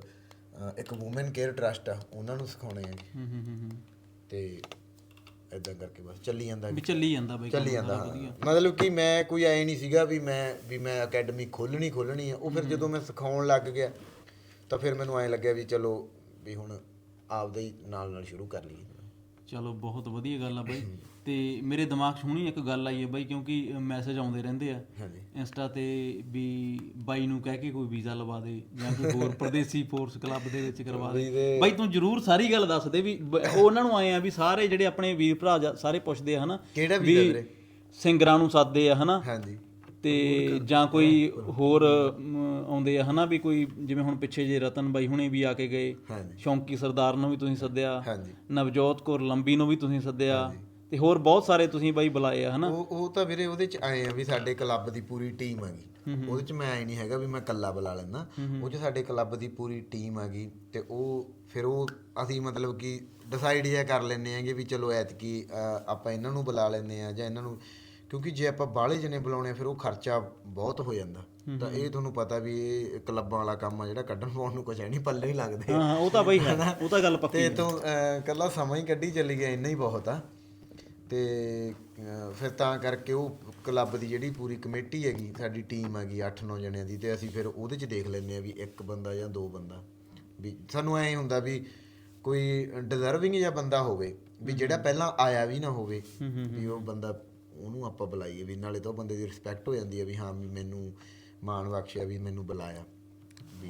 S2: ਅ, ਇੱਕ ਵੂਮਨ ਕੇਅਰ ਟਰਸਟ ਆ ਉਹਨਾਂ ਨੂੰ ਸਿਖਾਉਣੇ ਆ ਜੀ।
S1: ਹੂੰ ਹੂੰ ਹੂੰ
S2: ਤੇ ਇਦਾਂ ਕਰਕੇ ਬਸ ਚੱਲੀ ਜਾਂਦਾ
S1: ਵੀ ਚੱਲੀ ਜਾਂਦਾ ਬਾਈ
S2: ਚੱਲੀ ਜਾਂਦਾ ਹਾਂ। ਮਤਲਬ ਕਿ ਮੈਂ ਕੋਈ ਐ ਨਹੀਂ ਸੀਗਾ ਵੀ ਮੈਂ ਵੀ ਮੈਂ ਅਕੈਡਮੀ ਖੋਲਣੀ ਖੋਲਣੀ ਆ। ਉਹ ਫਿਰ ਜਦੋਂ ਮੈਂ ਸਿਖਾਉਣ ਲੱਗ ਗਿਆ ਤਾਂ ਫਿਰ ਮੈਨੂੰ ਐਂ ਲੱਗਿਆ ਵੀ ਚਲੋ ਵੀ ਹੁਣ ਆਪਦੇ ਹੀ ਨਾਲ ਨਾਲ ਸ਼ੁਰੂ ਕਰ ਲਈਏ।
S1: ਚਲੋ ਬਹੁਤ ਵਧੀਆ ਗੱਲ ਆ ਬਾਈ। ਤੇ ਮੇਰੇ ਦਿਮਾਗ 'ਚ ਹੁਣੀ ਇੱਕ ਗੱਲ ਆਈ ਹੈ ਬਾਈ ਕਿਉਂਕਿ ਮੈਸੇਜ ਆਉਂਦੇ ਰਹਿੰਦੇ ਆ
S2: ਹਾਂਜੀ
S1: ਇੰਸਟਾ ਤੇ ਵੀ ਬਾਈ ਨੂੰ ਕਹਿ ਕੇ ਕੋਈ ਵੀਜ਼ਾ ਲਵਾ ਦੇ ਜਾਂ ਕੋਈ ਹੋਰ ਪਰਦੇਸੀ ਫੋਰਸ ਕਲੱਬ ਦੇ ਵਿੱਚ ਕਰਵਾ ਦੇ। ਬਾਈ ਤੂੰ ਜਰੂਰ ਸਾਰੀ ਗੱਲ ਦੱਸ ਦੇ ਵੀ ਬ- ਉਹਨਾਂ ਨੂੰ ਆਏ ਆ ਵੀ ਸਾਰੇ ਜਿਹੜੇ ਆਪਣੇ ਵੀਰ ਭਰਾ ਜਾ- ਸਾਰੇ ਪੁੱਛਦੇ ਆ ਹਨਾ
S2: ਕਿਹੜਾ ਵੀਜ਼ਾ ਵੀਰੇ?
S1: ਸਿੰਗਰਾਂ ਨੂੰ ਸੱਦਦੇ ਆ ਹਨਾ
S2: ਹਾਂਜੀ
S1: ਤੇ ਜਾਂ ਕੋਈ ਹੋਰ ਅਮ, ਆਉਂਦੇ ਆ ਹਨਾ ਵੀ ਕੋਈ ਜਿਵੇਂ ਹੁਣ ਪਿੱਛੇ ਜੇ ਰਤਨ ਬਾਈ ਹੁਣੇ ਵੀ ਆ ਕੇ ਗਏ।
S2: ਹਾਂਜੀ
S1: ਸ਼ੌਂਕੀ ਸਰਦਾਰ ਨੂੰ ਵੀ ਤੁਸੀਂ ਸੱਦਿਆ।
S2: ਹਾਂਜੀ
S1: ਨਵਜੋਤ ਕੌਰ ਲੰਬੀ ਨੂੰ ਵੀ ਤੁਸੀਂ ਸੱਦਿਆ ਤੇ ਹੋਰ ਬਹੁਤ ਸਾਰੇ ਤੁਸੀਂ ਬਾਈ ਬੁਲਾਏ ਆ ਹਨਾ।
S2: ਉਹ ਉਹ ਤਾਂ ਵੀਰੇ ਉਹਦੇ ਚ ਆਏ ਆ ਵੀ ਸਾਡੇ ਕਲੱਬ ਦੀ ਪੂਰੀ ਟੀਮ ਹੈਗੀ। ਉਹਦੇ ਚ ਮੈਂ ਆਏ ਨਹੀਂ ਹੈਗਾ ਵੀ ਮੈਂ ਇਕੱਲਾ ਬੁਲਾ ਲੈਂਦਾ। ਉਹ ਚ ਸਾਡੇ ਕਲੱਬ ਦੀ ਪੂਰੀ ਟੀਮ ਹੈਗੀ ਤੇ ਉਹ ਫਿਰ ਉਹ ਅਸੀਂ ਮਤਲਬ ਕਿ ਡਿਸਾਈਡ ਜਿਹਾ ਕਰ ਲੈਂਦੇ ਆਂਗੇ ਵੀ ਚਲੋ ਐਤਕੀ ਅਹ, ਆਪਾਂ ਇਹਨਾਂ ਨੂੰ ਬੁਲਾ ਲੈਂਦੇ ਆ ਜਾਂ ਇਹਨਾਂ ਨੂੰ ਕਿਉਂਕਿ ਜੇ ਆਪਾਂ ਬਾਹਲੇ ਜਣੇ ਬੁਲਾਉਣੇ ਆ ਫਿਰ ਉਹ ਖਰਚਾ ਬਹੁਤ ਹੋ ਜਾਂਦਾ। ਤਾਂ ਇਹ ਤੁਹਾਨੂੰ ਪਤਾ ਵੀ ਇਹ ਕਲੱਬਾਂ ਵਾਲਾ ਕੰਮ ਆ ਜਿਹੜਾ ਕੱਢਣ ਪਾਉਣ ਨੂੰ ਕੁਛ ਹੈ ਨਹੀਂ ਪੱਲੇ ਹੀ ਲੱਗਦੇ।
S1: ਹਾਂ ਉਹ ਤਾਂ ਬਾਈ ਹੈ ਉਹ ਤਾਂ ਗੱਲ ਪੱਕੀ
S2: ਤੇ
S1: ਹੈ।
S2: ਤੂੰ ਇਕੱਲਾ ਸਮਾਂ ਹੀ ਕੱਢੀ ਚੱਲੀ ਗਿਆ ਇੰਨਾ ਹੀ ਬਹੁਤ ਆ। ਤੇ ਅਹ, ਫਿਰ ਤਾਂ ਕਰਕੇ ਉਹ ਕਲੱਬ ਦੀ ਜਿਹੜੀ ਪੂਰੀ ਕਮੇਟੀ ਹੈਗੀ ਸਾਡੀ ਟੀਮ ਹੈਗੀ ਅੱਠ ਨੌ ਜਣਿਆਂ ਦੀ ਤੇ ਅਸੀਂ ਫਿਰ ਉਹਦੇ 'ਚ ਦੇਖ ਲੈਂਦੇ ਆ ਵੀ ਇੱਕ ਬੰਦਾ ਜਾਂ ਦੋ ਬੰਦਾ ਵੀ ਸਾਨੂੰ ਐਂ ਹੁੰਦਾ ਵੀ ਕੋਈ ਡਿਜ਼ਰਵਿੰਗ ਜਿਹਾ ਬੰਦਾ ਹੋਵੇ ਵੀ ਜਿਹੜਾ ਪਹਿਲਾਂ ਆਇਆ ਵੀ ਨਾ ਹੋਵੇ ਵੀ ਉਹ ਬੰਦਾ ਉਹਨੂੰ ਆਪਾਂ ਬੁਲਾਈਏ ਵੀ ਨਾਲੇ ਤਾਂ ਉਹ ਬੰਦੇ ਦੀ ਰਿਸਪੈਕਟ ਹੋ ਜਾਂਦੀ ਹੈ ਵੀ ਹਾਂ ਵੀ ਮੈਨੂੰ ਮਾਣ ਬਖਸ਼ਿਆ ਵੀ ਮੈਨੂੰ ਬੁਲਾਇਆ ਵੀ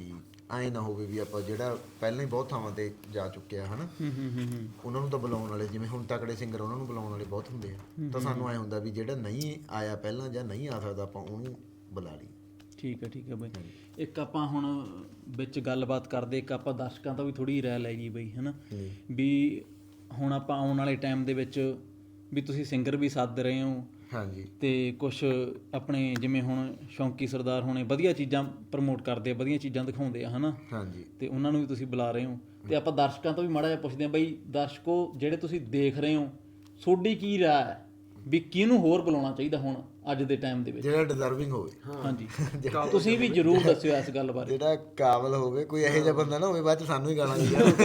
S2: ਐਂ ਨਾ ਹੋਵੇ ਵੀ ਆਪਾਂ ਜਿਹੜਾ ਪਹਿਲਾਂ ਹੀ ਬਹੁਤ ਥਾਵਾਂ ਤੇ ਜਾ ਚੁੱਕੇ ਆ ਹਨਾ ਉਹਨਾਂ ਨੂੰ ਤਾਂ ਬੁਲਾਉਣ ਵਾਲੇ ਜਿਵੇਂ ਹੁਣ ਤਕੜੇ ਸਿੰਗਰ ਉਹਨਾਂ ਨੂੰ ਬੁਲਾਉਣ ਵਾਲੇ ਬਹੁਤ ਹੁੰਦੇ ਆ ਤਾਂ ਸਾਨੂੰ ਐਂ ਹੁੰਦਾ ਵੀ ਜਿਹੜਾ ਨਹੀਂ ਆਇਆ ਪਹਿਲਾਂ ਜਾਂ ਨਹੀਂ ਆ ਸਕਦਾ ਆਪਾਂ ਉਹਨੂੰ ਬੁਲਾ ਲਈ।
S1: ਠੀਕ ਹੈ ਠੀਕ ਹੈ ਬਈ। ਇੱਕ ਆਪਾਂ ਹੁਣ ਵਿੱਚ ਗੱਲਬਾਤ ਕਰਦੇ, ਇੱਕ ਆਪਾਂ ਦਰਸ਼ਕਾਂ ਤੋਂ ਵੀ ਥੋੜੀ ਰਾਏ ਲੈ ਗਈ ਬਈ ਹਨਾ ਵੀ ਹੁਣ ਆਪਾਂ ਆਉਣ ਵਾਲੇ ਟਾਈਮ ਦੇ ਵਿੱਚ ਵੀ ਤੁਸੀਂ ਸਿੰਗਰ ਵੀ ਸੱਦ ਰਹੇ ਹੋ
S2: ਹਾਂਜੀ
S1: ਤੇ ਕੁਛ ਆਪਣੇ ਜਿਵੇਂ ਹੁਣ ਸ਼ੌਂਕੀ ਸਰਦਾਰ ਹੋਣੇ ਵਧੀਆ ਚੀਜ਼ਾਂ ਪ੍ਰਮੋਟ ਕਰਦੇ ਆ, ਵਧੀਆ ਚੀਜ਼ਾਂ ਦਿਖਾਉਂਦੇ ਆ ਹਨਾ
S2: ਹਾਂਜੀ
S1: ਤੇ ਉਹਨਾਂ ਨੂੰ ਵੀ ਤੁਸੀਂ ਬੁਲਾ ਰਹੇ ਹੋ ਤੇ ਆਪਾਂ ਦਰਸ਼ਕਾਂ ਤੋਂ ਵੀ ਮਾੜਾ ਜਿਹਾ ਪੁੱਛਦੇ ਹਾਂ ਬਈ ਦਰਸ਼ਕੋ ਜਿਹੜੇ ਤੁਸੀਂ ਦੇਖ ਰਹੇ ਹੋ ਤੁਹਾਡੀ ਕੀ ਰਾਏ ਹੈ ਵੀ ਕਿਹਨੂੰ ਹੋਰ ਬੁਲਾਉਣਾ ਚਾਹੀਦਾ ਹੁਣ ਅੱਜ ਦੇ ਟਾਈਮ ਦੇ ਵਿੱਚ
S2: ਜਿਹੜਾ ਡਿਜ਼ਰਵਿੰਗ ਹੋਵੇ।
S1: ਹਾਂਜੀ ਤੁਸੀਂ ਵੀ ਜ਼ਰੂਰ ਦੱਸਿਓ ਇਸ ਗੱਲ ਬਾਰੇ।
S2: ਜਿਹੜਾ ਕਾਬਲ ਹੋਵੇ, ਕੋਈ ਇਹੋ ਜਿਹਾ ਬੰਦਾ ਨਾ ਹੋਵੇ ਬਾਅਦ ਚ ਸਾਨੂੰ ਹੀ ਗਾਲਾਂ ਦੇ ਯਾਰ